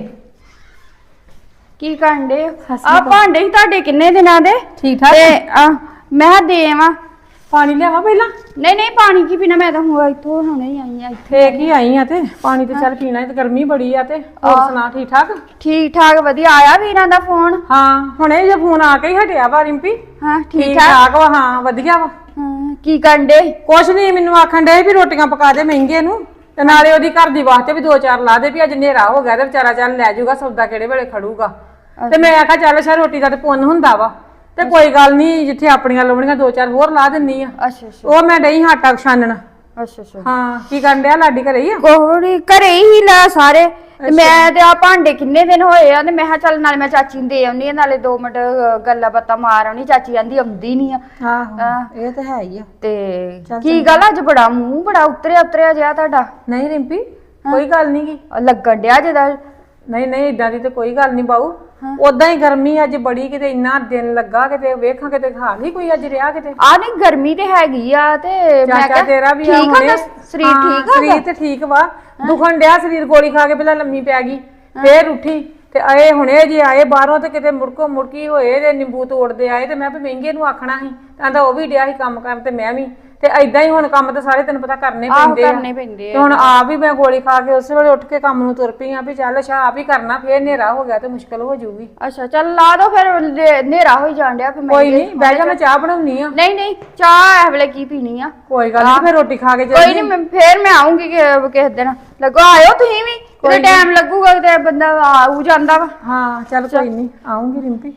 Speaker 6: ਕੀ ਕਰਨ ਦੇ
Speaker 3: ਸਤਿ ਸ਼੍ਰੀ
Speaker 6: ਆ?
Speaker 3: ਅਕਾਲ।
Speaker 6: ਭਾਂਡੇ ਹੀ ਤੁਹਾਡੇ ਕਿੰਨੇ ਦਿਨਾਂ ਦੇ?
Speaker 3: ਠੀਕ ਠਾਕ?
Speaker 6: ਤੇ ਆ ਮੈਂ ਕਿਹਾ ਦੇ ਆਵਾਂ।
Speaker 3: ਪਾਣੀ ਲਿਆਵਾ ਪਹਿਲਾਂ।
Speaker 6: ਨਹੀਂ ਨਹੀਂ, ਪਾਣੀ ਕੀ ਪੀਣਾ, ਮੈਂ ਤਾਂ ਹੁਣ ਇੱਥੋਂ ਹੁਣੇ ਹੀ ਆਈ ਆ।
Speaker 3: ਫੇਕ ਹੀ ਆਈ ਆ, ਤੇ ਪਾਣੀ ਤੇ ਚੱਲ ਪੀਣਾ, ਤੇ ਗਰਮੀ ਬੜੀ ਆ। ਤੇ ਹੋਰ ਸੁਣਾ, ਠੀਕ ਠਾਕ?
Speaker 6: ਠੀਕ ਠਾਕ ਵਧੀਆ। ਆਇਆ ਵੀਰਾਂ ਦਾ ਫੋਨ?
Speaker 3: ਹਾਂ ਹੁਣੇ ਜੇ ਫੋਨ ਆ ਕੇ ਹੀ ਹਟਿਆ ਵਾ ਰਿੰਪੀ।
Speaker 6: ਹਾਂ ਠੀਕ
Speaker 3: ਠੀਕ
Speaker 6: ਠਾਕ।
Speaker 3: ਠਾਕ ਵਾ, ਹਾਂ ਵਧੀਆ ਵਾ।
Speaker 6: ਹਾਂ, ਕੀ ਕਰਨ ਦੇ?
Speaker 3: ਕੁਛ ਨਹੀਂ, ਮੈਨੂੰ ਆਖਣ ਡੇ ਵੀ ਰੋਟੀਆਂ ਪਕਾ ਦੇ ਮਹਿੰਗੇ ਨੂੰ, ਤੇ ਨਾਲੇ ਉਹਦੀ ਘਰ ਦੀ ਵਾਸਤੇ ਵੀ ਦੋ ਚਾਰ ਲਾ ਦੇ, ਵੀ ਅੱਜ ਹਨੇਰਾ ਹੋ ਗਿਆ ਤੇ ਵਿਚਾਰਾ ਚੱਲ ਲੈ ਜਾਊਗਾ ਸੌਦਾ, ਕਿਹੜੇ ਵੇਲੇ ਖੜੂਗਾ। ਤੇ ਮੈਂ ਆਖਿਆ ਚੱਲ ਸ਼ਾ ਰੋਟੀ ਦਾ ਤੇ ਪੁੰਨ ਹੁੰਦਾ ਵਾ, ਤੇ ਕੋਈ ਗੱਲ ਨਹੀਂ, ਜਿੱਥੇ ਆਪਣੀਆਂ ਲਾਉਣੀਆਂ ਦੋ ਚਾਰ ਹੋਰ ਲਾ ਦਿੰਨੀ ਆ।
Speaker 6: ਅੱਛਾ ਅੱਛਾ
Speaker 3: ਉਹ ਮੈਂ ਡਈ ਆਟਾ ਛਾਨਣ।
Speaker 6: ਅੱਛਾ ਅੱਛਾ।
Speaker 3: ਹਾਂ ਕੀ ਕਰਨ ਡਿਆ? ਲਾਡੀ ਘਰੇ ਹੀ ਆ?
Speaker 6: ਕੋਹੜੀ ਘਰੇ ਹੀ ਲਾ ਸਾਰੇ। ਤੇ ਮੈਂ ਤੇ ਆ ਭਾਂਡੇ ਕਿੰਨੇ ਦਿਨ ਹੋਏ ਆ, ਤੇ ਮੈਂ ਕਿਹਾ ਚੱਲ ਨਾਲੇ ਮੈਂ ਚਾਚੀ ਨੂੰ ਦੇ ਆਉਣੀ ਆ, ਨਾਲੇ ਦੋ ਮਿੰਟ ਅ, ਗੱਲਾਂ ਬਾਤਾਂ ਮਾਰ ਆਉਣੀ। ਚਾਚੀ ਆਂਦੀ ਆਉਂਦੀ ਨਹੀਂ ਆ।
Speaker 3: ਆਹੋ ਇਹ ਤਾਂ ਹੈ ਹੀ ਆ।
Speaker 6: ਤੇ ਕੀ ਗੱਲ ਅੱਜ ਬੜਾ ਮੂੰਹ ਬੜਾ ਉਤਰਿਆ ਉਤਰਿਆ ਜਿਹਾ ਤੁਹਾਡਾ?
Speaker 3: ਨਹੀਂ ਰਿੰਪੀ ਕੋਈ ਗੱਲ ਨਹੀਂ ਗੀ।
Speaker 6: ਉਹ ਲੱਗਣ ਡਿਆ ਜਿਹਦਾ।
Speaker 3: ਨਹੀਂ ਨਹੀਂ ਇਦਾਂ ਦੀ ਤੇ ਕੋਈ ਗੱਲ ਨਹੀਂ ਬਾਊ। ਉਦਾਂ ਹੀ ਗਰਮੀ ਅੱਜ ਬੜੀ, ਕਿਤੇ ਇੰਨਾ ਦਿਨ ਲੱਗਾ, ਕਿਤੇ ਵੇਖਾਂ ਕਿਤੇ ਹਾਲ ਹੀ ਕੋਈ ਅੱਜ ਰਿਹਾ ਕਿਤੇ।
Speaker 6: ਆ ਨਹੀਂ ਗਰਮੀ ਤੇ ਹੈਗੀ ਆ, ਤੇ ਮੈਂ
Speaker 3: ਚਾਚਾ
Speaker 6: ਕਿਹਾ
Speaker 3: ਤੇਰਾ ਵੀ ਆ
Speaker 6: ਠੀਕ ਆ
Speaker 3: ਹੁਣੇ।
Speaker 6: ਤਾਂ ਸਰੀਰ
Speaker 3: ਹਾਂ,
Speaker 6: ਠੀਕ ਆ?
Speaker 3: ਸਰੀਰ ਤੇ ਠੀਕ ਵਾ, ਦੁਖਣ ਡਿਆ ਸਰੀਰ, ਗੋਲੀ ਖਾ ਕੇ ਪਹਿਲਾਂ ਲੰਮੀ ਪੈ ਗਈ, ਫੇਰ ਉੱਠੀ, ਤੇ ਆਏ ਹੁਣੇ ਜੇ ਆਏ ਬਾਹਰੋਂ, ਤੇ ਕਿਤੇ ਮੁੜਕੋ ਮੁੜਕੀ ਹੋਏ, ਤੇ ਨਿੰਬੂ ਤੋੜਦੇ ਆਏ, ਤੇ ਮੈਂ ਵੀ ਮਹਿੰਗੇ ਨੂੰ ਆਖਣਾ ਸੀ, ਕਹਿੰਦਾ ਉਹ ਵੀ ਡਿਆ ਸੀ ਕੰਮ ਕਰਨ, ਤੇ ਮੈਂ ਵੀ, ਤੇ ਐਦਾਂ ਹੀ ਹੁਣ ਕੰਮ ਤਾਂ ਸਾਰੇ ਤੈਨੂੰ ਪਤਾ ਕਰਨੇ
Speaker 6: ਆਹੋ
Speaker 3: ਪੈਂਦੇ ਆ।
Speaker 6: ਕਰਨੇ ਪੈਂਦੇ
Speaker 3: ਤੇ ਹੁਣ ਆਪ ਵੀ ਮੈਂ ਗੋਲੀ ਖਾ ਕੇ ਉਸੇ ਵੇਲੇ ਉੱਠ ਕੇ ਕੰਮ ਨੂੰ ਤੁਰ ਪਈ ਆ, ਵੀ ਚੱਲ ਸ਼ਾ ਆਪ ਹੀ ਕਰਨਾ, ਫੇਰ ਹਨੇਰਾ ਹੋ ਗਿਆ ਤੇ ਮੁਸ਼ਕਲ ਹੋ ਜਾਊਗੀ।
Speaker 6: ਅੱਛਾ ਚੱਲ ਲਾ ਦੋ ਫਿਰ, ਹਨੇਰਾ ਹੋਈ ਜਾਣ ਡਿਆ ਫਿਰ।
Speaker 3: ਕੋਈ ਨਹੀਂ, ਬਹਿ ਜਾ, ਮੈਂ ਚਾਹ ਬਣਾਉਣੀ ਆ।
Speaker 6: ਨਹੀਂ ਨਹੀਂ, ਚਾਹ ਇਸ ਵੇਲੇ ਕੀ ਪੀਣੀ ਆ?
Speaker 3: ਕੋਈ ਗੱਲ ਨਹੀਂ, ਫੇਰ ਰੋਟੀ ਖਾ ਕੇ
Speaker 6: ਕੋਈ
Speaker 3: ਚੱਲੀ।
Speaker 6: ਨਹੀਂ, ਮੈਂ ਫੇਰ ਮੈਂ ਆਉਂਗੀ ਕਿਸੇ ਦਿਨ। ਲੱਗੋ ਆਇਓ ਤੁਸੀਂ ਵੀ, ਕਿਤੇ ਟਾਈਮ ਲੱਗੂਗਾ ਤੇ ਬੰਦਾ ਆਉ ਜਾਂਦਾ ਵਾ।
Speaker 3: ਹਾਂ ਚੱਲ ਕੋਈ ਨਹੀਂ, ਆਉਂਗੀ ਰਿੰਪੀ।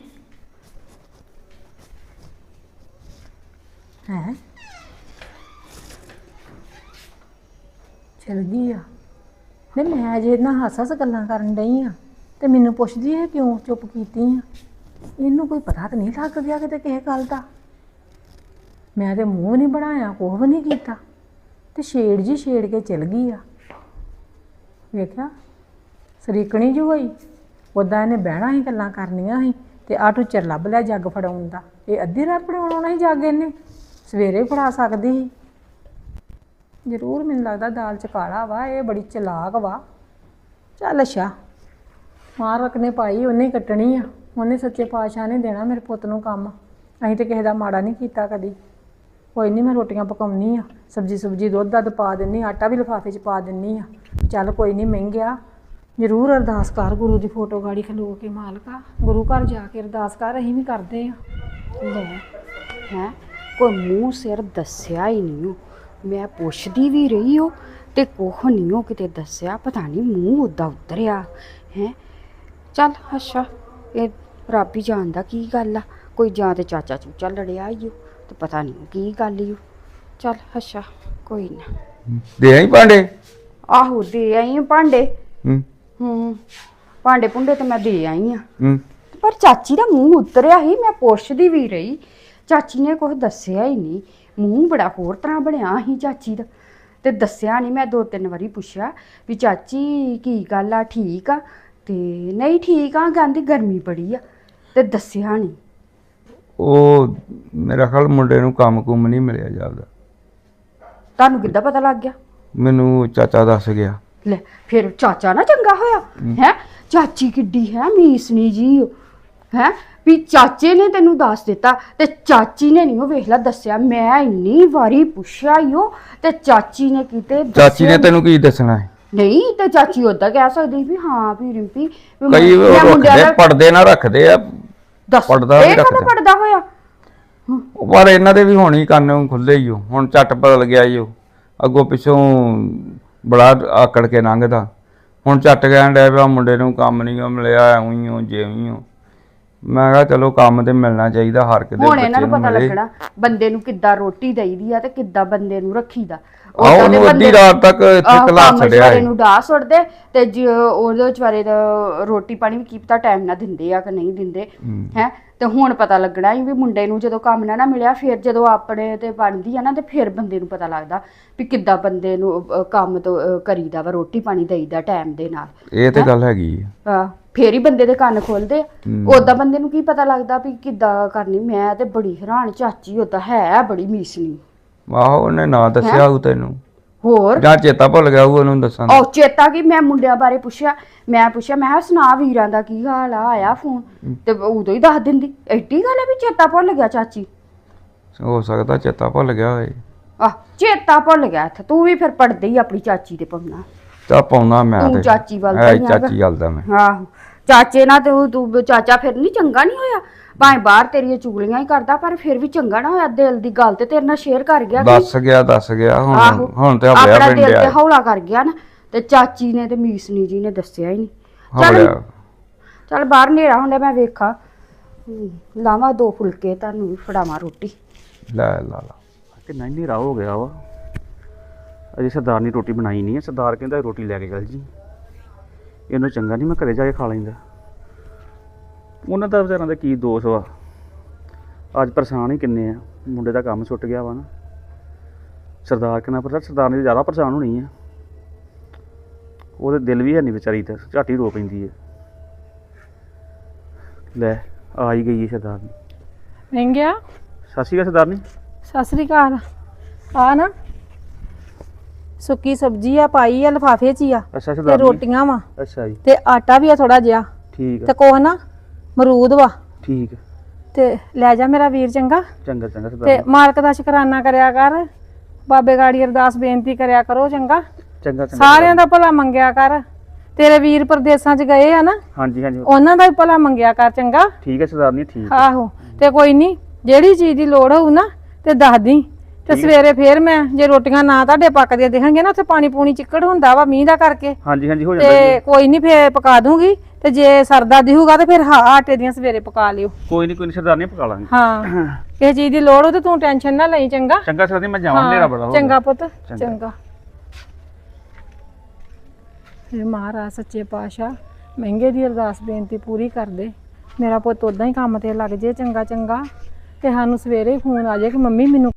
Speaker 3: ਹੈ ਚਲ ਗਈ ਆ? ਨਹੀਂ ਮੈਂ ਅਜੇ ਨਾ ਹੱਸ-ਹੱਸ ਗੱਲਾਂ ਕਰਨ ਡਈ ਆ, ਤੇ ਮੈਨੂੰ ਪੁੱਛਦੀ ਹੈ ਕਿਉਂ ਚੁੱਪ ਕੀਤੀ ਆ। ਇਹਨੂੰ ਕੋਈ ਪਤਾ ਤਾਂ ਨਹੀਂ ਲੱਗ ਗਿਆ ਕਿਤੇ ਕਿਸੇ ਗੱਲ ਦਾ। ਮੈਂ ਤੇ ਮੂੰਹ ਨਹੀਂ ਬਣਾਇਆ, ਕੁਛ ਵੀ ਨਹੀਂ ਕੀਤਾ, ਤੇ ਛੇੜ ਜੀ ਛੇੜ ਕੇ ਚਲ ਗਈ ਆ। ਵੇਖਿਆ ਸਰੀਕਣੀ ਜੋ ਹੋਈ। ਉੱਦਾਂ ਇਹਨੇ ਬਹਿਣਾ ਸੀ, ਗੱਲਾਂ ਕਰਨੀਆਂ ਸੀ, ਤੇ ਆਹ ਟੁੱਚਰ ਲੱਭ ਲਿਆ ਜੱਗ ਫੜਾਉਣ ਦਾ। ਇਹ ਅੱਧੀ ਰਾਤ ਫੜਾਉਣਾ ਸੀ ਜੱਗ, ਇਹਨੇ ਸਵੇਰੇ ਫੜਾ ਸਕਦੀ ਸੀ। ਜ਼ਰੂਰ ਮੈਨੂੰ ਲੱਗਦਾ ਦਾਲ ਚ ਕਾਲਾ ਵਾ, ਇਹ ਬੜੀ ਚਲਾਕ ਵਾ। ਚੱਲ ਅੱਛਾ, ਮਾਲਕ ਨੇ ਪਾਈ ਉਹਨੇ ਹੀ ਕੱਟਣੀ ਆ, ਉਹਨੇ ਸੱਚੇ ਪਾਤਸ਼ਾਹ ਨੇ ਦੇਣਾ ਮੇਰੇ ਪੁੱਤ ਨੂੰ ਕੰਮ। ਅਸੀਂ ਤੇ ਕਿਸੇ ਦਾ ਮਾੜਾ ਨਹੀਂ ਕੀਤਾ ਕਦੀ। ਕੋਈ ਨਹੀਂ, ਮੈਂ ਰੋਟੀਆਂ ਪਕਾਉਣੀ ਆ, ਸਬਜ਼ੀ ਸੁਬਜੀ ਦੁੱਧ ਦੱਧ ਪਾ ਦਿੰਨੀ, ਆਟਾ ਵੀ ਲਿਫਾਫੇ 'ਚ ਪਾ ਦਿੰਨੀ ਆ। ਚੱਲ ਕੋਈ ਨਹੀਂ, ਮਹਿੰਗਿਆ ਜ਼ਰੂਰ ਅਰਦਾਸ ਕਰ ਗੁਰੂ ਦੀ ਫੋਟੋ ਗਾੜੀ ਖਲੋ ਕੇ, ਮਾਲਕਾ ਗੁਰੂ ਘਰ ਜਾ ਕੇ ਅਰਦਾਸ ਕਰ, ਅਸੀਂ ਵੀ ਕਰਦੇ ਆ।
Speaker 6: ਲੈ ਹੈ ਕੋਈ ਮੂੰਹ ਸਿਰ ਦੱਸਿਆ ਹੀ ਨਹੀਂ ਉਹ। ਮੈਂ ਪੁੱਛਦੀ ਵੀ ਰਹੀ ਉਹ ਤੇ ਕੁਛ ਨਹੀਂ ਉਹ ਕਿਤੇ ਦੱਸਿਆ। ਪਤਾ ਨਹੀਂ ਮੂੰਹ ਉੱਦਾਂ ਉਤਰਿਆ ਹੈ। ਚੱਲ ਅੱਛਾ, ਇਹ ਰੱਬ ਹੀ ਜਾਣਦਾ ਕੀ ਗੱਲ ਆ। ਕੋਈ ਜਾਂ ਤੇ ਚਾਚਾ ਚੂਚਾ ਲੜਿਆ ਈ ਓ ਤੇ ਪਤਾ ਨਹੀਂ ਕੀ ਗੱਲ ਈ ਓ। ਚੱਲ ਅੱਛਾ, ਕੋਈ ਨਾ।
Speaker 5: ਦੇ ਆਈ ਭਾਂਡੇ?
Speaker 6: ਆਹੋ ਦੇ ਆਈ ਆਂ ਭਾਂਡੇ।
Speaker 5: ਹੂੰ
Speaker 6: ਹੂੰ ਭਾਂਡੇ ਭੁੰਡੇ ਤੇ ਮੈਂ ਦੇ ਆਈ ਆ।
Speaker 5: ਹੂੰ
Speaker 6: ਪਰ ਚਾਚੀ ਦਾ ਮੂੰਹ ਉਤਰਿਆ ਹੀ। ਮੈਂ ਪੁੱਛਦੀ ਵੀ ਰਹੀ, ਚਾਚੀ ਨੇ ਕੁਝ ਦੱਸਿਆ ਹੀ ਨਹੀਂ। ਮੂੰਹ ਬੜਾ ਹੋਰ ਤਰ੍ਹਾਂ ਬਣਿਆ ਸੀ ਚਾਚੀ ਦਾ ਤੇ ਦੱਸਿਆ ਨਹੀਂ। ਮੈਂ ਦੋ ਤਿੰਨ ਵਾਰੀ ਪੁੱਛਿਆ ਵੀ ਚਾਚੀ ਕੀ ਗੱਲ ਆ, ਠੀਕ ਆ? ਤੇ ਨਹੀਂ ਠੀਕ ਆ, ਕਹਿੰਦੀ ਗਰਮੀ ਬੜੀ ਆ, ਤੇ ਦੱਸਿਆ ਨਹੀਂ।
Speaker 5: ਉਹ ਮੇਰਾ ਖਿਆਲ ਮੁੰਡੇ ਨੂੰ ਕੰਮ ਕੁੰਮ ਨਹੀਂ ਮਿਲਿਆ ਜਾਂਦਾ।
Speaker 6: ਤੁਹਾਨੂੰ ਕਿੱਦਾਂ ਪਤਾ ਲੱਗ ਗਿਆ?
Speaker 5: ਮੈਨੂੰ ਚਾਚਾ ਦੱਸ ਗਿਆ।
Speaker 6: ਲੈ ਫਿਰ ਚਾਚਾ ਨਾ ਚੰਗਾ ਹੋਇਆ ਹੈ। ਚਾਚੀ ਕਿੱਡੀ ਹੈ ਮੀਸਣੀ ਜੀ ਹੈ ਵੀ ਚਾਚੇ ਨੇ ਤੈਨੂੰ ਦੱਸ ਦਿੱਤਾ ਤੇ ਚਾਚੀ ਨੇ ਨਹੀਂ ਉਹ ਵੇਖ ਲਾ ਦੱਸਿਆ। ਮੈਂ ਇੰਨੀ ਵਾਰੀ ਪੁੱਛਿਆ ਈ ਉਹ ਤੇ ਚਾਚੀ ਨੇ ਕਿਤੇ
Speaker 5: ਚਾਚੀ ਨੇ ਤੈਨੂੰ ਕੀ ਦੱਸਣਾ ਹੈ?
Speaker 6: ਨਹੀਂ ਤੇ ਚਾਚੀ ਉਦਾਂ ਕਹਿ ਸਕਦੀ ਵੀ ਹਾਂ ਵੀ ਰਿੰਪੀ ਵੀ
Speaker 5: ਕਈ
Speaker 6: ਮੈਂ ਮੁੰਡਿਆਂ
Speaker 5: ਰੱਖਦੇ
Speaker 6: ਦਾ
Speaker 5: ਪੜਦੇ ਨਾ ਰੱਖਦੇ ਆ।
Speaker 6: ਦੱਸ
Speaker 5: ਪੜਦਾ ਵੀ
Speaker 6: ਇਹ ਕਦੋਂ
Speaker 5: ਰੱਖਦੇ।
Speaker 6: ਪੜਦਾ ਹੋਇਆ?
Speaker 5: ਪਰ ਇਹਨਾਂ ਦੇ ਵੀ ਹੁਣ ਹੀ ਕੰਨ ਖੁੱਲੇ ਹੀ ਹੋ। ਹੁਣ ਝੱਟ ਬਦਲ ਗਿਆ ਈ ਉਹ। ਅੱਗੋਂ ਪਿੱਛੋਂ ਬੜਾ ਆਕੜ ਕੇ ਲੰਘਦਾ, ਹੁਣ ਝੱਟ ਕਹਿਣ ਡਿਆ ਪਿਆ ਮੁੰਡੇ ਨੂੰ ਕੰਮ ਨਹੀਂ ਮਿਲਿਆ, ਐਵੇਂ ਹੀ ਹੋ ਜਿਵੇਂ ਹੋ। ਮੈਂ ਕਿਹਾ ਚਲੋ ਕੰਮ ਤੇ ਮਿਲਣਾ ਚਾਹੀਦਾ ਹਰ ਕਿਤੇ।
Speaker 6: ਹੁਣ ਇਹਨਾਂ ਨੂੰ ਪਤਾ ਲੱਗਣਾ ਬੰਦੇ ਨੂੰ ਕਿੱਦਾਂ ਰੋਟੀ ਦੇਈਦੀ ਆ ਤੇ ਕਿੱਦਾਂ ਬੰਦੇ ਨੂੰ ਰੱਖੀਦਾ।
Speaker 5: ਆਹ ਉਹਨੂੰ ਅੱਧੀ ਰਾਤ ਤੱਕ ਇੱਥੇ ਕਲਾ ਛੱਡਿਆ
Speaker 6: ਹੈ ਨੂੰ ਡਾਹ ਸੁੱਟਦੇ ਤੇ ਜੇ ਉਹਦੇ ਵਿਚਾਰੇ ਦਾ ਰੋਟੀ ਪਾਣੀ ਵੀ ਕੀ ਪਤਾ ਟਾਈਮ ਨਾਲ ਦਿੰਦੇ ਆ ਕਿ ਨਹੀਂ ਦਿੰਦੇ ਹੈ। ਤੇ ਹੁਣ ਪਤਾ ਲੱਗਣਾ ਹੀ ਵੀ ਮੁੰਡੇ ਨੂੰ ਜਦੋਂ ਕੰਮ ਨਾ ਨਾ ਮਿਲਿਆ, ਫਿਰ ਜਦੋਂ ਆਪਣੇ ਤੇ ਬਣਦੀ ਆ ਨਾ ਤੇ ਫਿਰ ਬੰਦੇ ਨੂੰ ਪਤਾ ਲੱਗਦਾ ਵੀ ਕਿੱਦਾਂ ਬੰਦੇ ਨੂੰ ਅਹ, ਕੰਮ ਤੋਂ ਅਹ, ਕਰੀਦਾ ਵਾ, ਰੋਟੀ ਪਾਣੀ ਦੇਈਦਾ ਟਾਈਮ ਦੇ ਨਾਲ।
Speaker 5: ਇਹ ਤੇ ਗੱਲ ਹੈਗੀ ਆ।
Speaker 6: ਆ ਫੇਰ ਹੀ ਬੰਦੇ ਦੇ ਕੰਨ ਖੋਲਦੇ ਆ। ਓਦਾਂ ਬੰਦੇ ਨੂੰ ਕੀ ਪਤਾ ਲੱਗਦਾ ਵੀ ਕਿੱਦਾਂ ਕਰਨੀ। ਮੈਂ ਤੇ ਬੜੀ ਹੈਰਾਨ, ਚਾਚੀ ਓਦਾਂ ਹੈ ਬੜੀ ਮੀਸਣੀ।
Speaker 5: ਆਹੋ ਉਹਨੇ ਨਾ ਦੱਸਿਆ ਉਹ ਤੈਨੂੰ,
Speaker 6: ਹੋਰ
Speaker 5: ਜਾਂ ਚੇਤਾ ਭੁੱਲ ਗਿਆ ਉਹ ਉਹਨੂੰ ਦੱਸਾਂ।
Speaker 6: ਉਹ ਚੇਤਾ ਕੀ, ਮੈਂ ਮੁੰਡਿਆਂ ਬਾਰੇ ਪੁੱਛਿਆ। ਮੈਂ ਪੁੱਛਿਆ ਮੈਂ ਕਿਹਾ ਸੁਣਾ ਵੀਰਾਂ ਦਾ ਕੀ ਹਾਲ ਆ, ਆਇਆ ਫੋਨ? ਤੇ ਉਦੋਂ ਹੀ ਦੱਸ ਦਿੰਦੀ। ਐਡੀ ਗੱਲ ਹੈ ਵੀ ਚੇਤਾ ਭੁੱਲ ਗਿਆ ਚਾਚੀ?
Speaker 5: ਹੋ ਸਕਦਾ ਚੇਤਾ ਭੁੱਲ ਗਿਆ ਹੋਏ।
Speaker 6: ਆਹ ਚੇਤਾ ਭੁੱਲ ਗਿਆ। ਇੱਥੇ ਤੂੰ ਵੀ ਫਿਰ ਪੜਦੇ ਹੀ ਆਪਣੀ ਚਾਚੀ ਤੇ ਪਾਉਣਾ।
Speaker 5: ਚਾ ਪਾਉਣਾ ਮੈਂ
Speaker 6: ਤੂੰ
Speaker 5: ਤੇ
Speaker 6: ਚਾਚੀ ਵੱਲ
Speaker 5: ਹੈ
Speaker 6: ਤਾਂ ਹੀ
Speaker 5: ਚਾਚੀ ਗੱਲ ਦਾ ਮੈਂ।
Speaker 6: ਆਹੋ ਚਾਚੇ ਨਾਲ ਤੇ ਉਹ ਤੂੰ ਚਾਚਾ ਫਿਰ ਨਹੀਂ ਚੰਗਾ ਨਹੀਂ ਹੋਇਆ। ਭਾਵੇਂ ਬਾਹਰ ਤੇਰੀਆਂ ਚੁਗਲੀਆਂ ਹੀ ਕਰਦਾ ਪਰ ਫਿਰ ਵੀ ਚੰਗਾ ਨਾ ਹੋਇਆ। ਦਿਲ ਦੀ ਗੱਲ ਤੇ ਤੇਰੇ ਨਾਲ ਸ਼ੇਅਰ ਕਰ ਗਿਆ।
Speaker 5: ਦੱਸ ਗਿਆ ਦੱਸ ਗਿਆ ਹੁਣ
Speaker 6: ਆਹੋ
Speaker 5: ਹੁਣ ਤੇ ਹਵਲਿਆ
Speaker 6: ਆਪਣਾ ਦਿਲ ਤੇ
Speaker 5: ਪਿੰਡਿਆ
Speaker 6: ਹੌਲਾ ਕਰ ਗਿਆ ਨਾ। ਤੇ ਚਾਚੀ ਨੇ ਤੇ ਮੀਸਨੀ ਜੀ ਨੇ ਦੱਸਿਆ ਹੀ ਨਹੀਂ। ਚੱਲ
Speaker 5: ਹਵਲਿਆ।
Speaker 6: ਚੱਲ ਬਾਹਰ ਹਨੇਰਾ ਹੁੰਦਾ, ਮੈਂ ਵੇਖਾਂ ਲਾਵਾਂ ਦੋ ਫੁਲਕੇ ਤੁਹਾਨੂੰ ਵੀ ਫੜਾਵਾਂ ਰੋਟੀ।
Speaker 5: ਲੈ ਲਾ ਲਾ
Speaker 1: ਕਿੰਨਾ ਹੀ ਹਨੇਰਾ ਹੋ ਗਿਆ ਵਾ, ਅਜੇ ਸਰਦਾਰ ਨੇ ਰੋਟੀ ਬਣਾਈ ਨਹੀਂ ਹੈ। ਸਰਦਾਰ ਕਹਿੰਦਾ ਰੋਟੀ ਲੈ ਕੇ ਚੱਲ ਜੀ, ਇਹਨੂੰ ਚੰਗਾ ਨਹੀਂ ਮੈਂ ਘਰੇ ਜਾ ਕੇ ਖਾ ਲੈਂਦਾ। ਉਹਨਾਂ ਦਾ ਵਿਚਾਰਾਂ ਦਾ ਕੀ ਦੋਸ਼ ਵਾ, ਅੱਜ ਪਰੇਸ਼ਾਨ ਹੀ ਕਿੰਨੇ ਆ। ਮੁੰਡੇ ਦਾ ਕੰਮ ਛੁੱਟ ਗਿਆ ਵਾ ਨਾ। ਸਰਦਾਰ ਕਿੰਨਾ ਪਤਾ, ਸਰਦਾਰ ਨੇ ਜ਼ਿਆਦਾ ਪਰੇਸ਼ਾਨ ਹੋਣੀ ਆ। ਉਹਦੇ ਦਿਲ ਵੀ ਹੈ ਨਹੀਂ ਵਿਚਾਰੀ ਤੇ, ਝੱਟ ਹੀ ਰੋ ਪੈਂਦੀ ਹੈ। ਲੈ ਆ ਹੀ ਗਈ ਹੈ ਸਰਦਾਰਨੀ।
Speaker 3: ਮਹਿੰਗਿਆ
Speaker 1: ਸਤਿ ਸ਼੍ਰੀ ਅਕਾਲ ਸਰਦਾਰਨੀ।
Speaker 3: ਸਤਿ ਸ੍ਰੀ ਅਕਾਲ। ਆ ਨਾ ਸੁੱਕੀ ਸਬਜ਼ੀ ਆ ਪਾਈ ਆ ਲਿਫਾਫੇ 'ਚ ਹੀ ਆ
Speaker 1: ਅੱਛਾ
Speaker 3: ਤੇ
Speaker 1: ਸਰਦਾਰਨੀ।
Speaker 3: ਰੋਟੀਆਂ ਵਾ
Speaker 1: ਅੱਛਾ ਜੀ,
Speaker 3: ਤੇ ਆਟਾ ਵੀ ਆ ਥੋੜਾ ਜਿਹਾ
Speaker 1: ਠੀਕ
Speaker 3: ਤੇ
Speaker 1: ਆ
Speaker 3: ਕੋਹ ਨਾ ਮਰੂਦ ਵਾ।
Speaker 1: ਠੀਕ ਆ।
Speaker 3: ਤੇ ਲੈ ਜਾ ਮੇਰਾ ਵੀਰ ਚੰਗਾ।
Speaker 1: ਚੰਗਾ ਚੰਗਾ
Speaker 3: ਤੇ
Speaker 1: ਸਰਦਾਰਨੀ।
Speaker 3: ਮਾਲਕ ਦਾ ਸ਼ੁਕਰਾਨਾ ਕਰਿਆ ਕਰ, ਬਾਬੇ ਗਾੜੀ ਅਰਦਾਸ ਬੇਨਤੀ ਕਰਿਆ ਕਰੋ ਚੰਗਾ।
Speaker 1: ਚੰਗਾ ਚੰਗਾ
Speaker 3: ਸਾਰਿਆਂ ਦਾ ਭਲਾ ਮੰਗਿਆ ਕਰ। ਤੇਰੇ ਵੀਰ ਪ੍ਰਦੇਸਾਂ 'ਚ ਗਏ ਆ ਨਾ,
Speaker 1: ਹਾਂਜੀ ਹਾਂਜੀ
Speaker 3: ਉਹਨਾਂ ਦਾ ਵੀ ਭਲਾ ਮੰਗਿਆ ਕਰ ਚੰਗਾ।
Speaker 1: ਠੀਕ ਹੈ ਸਰਦਾਰਨੀ, ਠੀਕ ਆ।
Speaker 3: ਆਹੋ ਤੇ ਕੋਈ ਨਹੀਂ, ਜਿਹੜੀ ਚੀਜ਼ ਦੀ ਲੋੜ ਹੋਊ ਨਾ ਤੇ ਦੱਸ ਦੀ। ਤੇ ਸਵੇਰੇ ਫੇਰ ਮੈਂ ਜੇ ਰੋਟੀਆਂ ਨਾ ਤੁਹਾਡੇ ਪੱਕਦੀਆਂ ਦੇਖਾਂਗੇ ਨਾ, ਉੱਥੇ ਪਾਣੀ ਪੂਣੀ ਚਿੱਕੜ ਹੁੰਦਾ ਵਾ ਮੀਂਹ ਦਾ ਕਰਕੇ,
Speaker 1: ਹਾਂਜੀ ਹਾਂਜੀ ਹੋ ਜਾਂਦਾ
Speaker 3: ਤੇ
Speaker 1: ਜੀ।
Speaker 3: ਕੋਈ ਨਹੀਂ ਫੇਰ ਪਕਾ ਦੂੰਗੀ। ਤੇ ਜੇ ਸਰਦਾ ਦਿਹੂਗਾ ਤੇ ਫਿਰ ਹਾਂ ਆਟੇ ਦੀਆਂ ਸਵੇਰੇ ਪਕਾ ਲਿਓ।
Speaker 1: ਕੋਈ ਨਹੀਂ ਕੋਈ ਨਹੀਂ ਸਰਦਾਰਨੀ, ਪਕਾ ਲਾਂਗੇ।
Speaker 3: ਹਾਂ ਕਿਸੇ ਚੀਜ਼ ਦੀ ਲੋੜ ਹੋ ਤੇ ਤੂੰ ਟੈਨਸ਼ਨ ਨਾ ਲਈ ਚੰਗਾ।
Speaker 1: ਚੰਗਾ ਸਰਦਾਰਨੀ, ਮੈਂ ਜਾਵਾਂ, ਹਨੇਰਾ ਬੜਾ ਹੋ ਗਿਆ।
Speaker 3: ਚੰਗਾ ਪੁੱਤ
Speaker 1: ਚੰਗਾ।
Speaker 3: ਚੰਗਾ। ਇਹ ਮਹਾਰਾਜ ਸੱਚੇ ਪਾਤਸ਼ਾਹ ਮਹਿੰਗੇ ਦੀ ਅਰਦਾਸ ਬੇਨਤੀ ਪੂਰੀ ਕਰ ਦੇ। ਮੇਰਾ ਪੁੱਤ ਉਦਾਂ ਹੀ ਕੰਮ ਤੇ ਲੱਗ ਜੇ ਚੰਗਾ ਚੰਗਾ, ਤੇ ਸਾਨੂੰ ਸਵੇਰੇ ਹੀ ਫੋਨ ਆ ਜਾਏ ਕਿ ਮੰਮੀ ਮੈਨੂੰ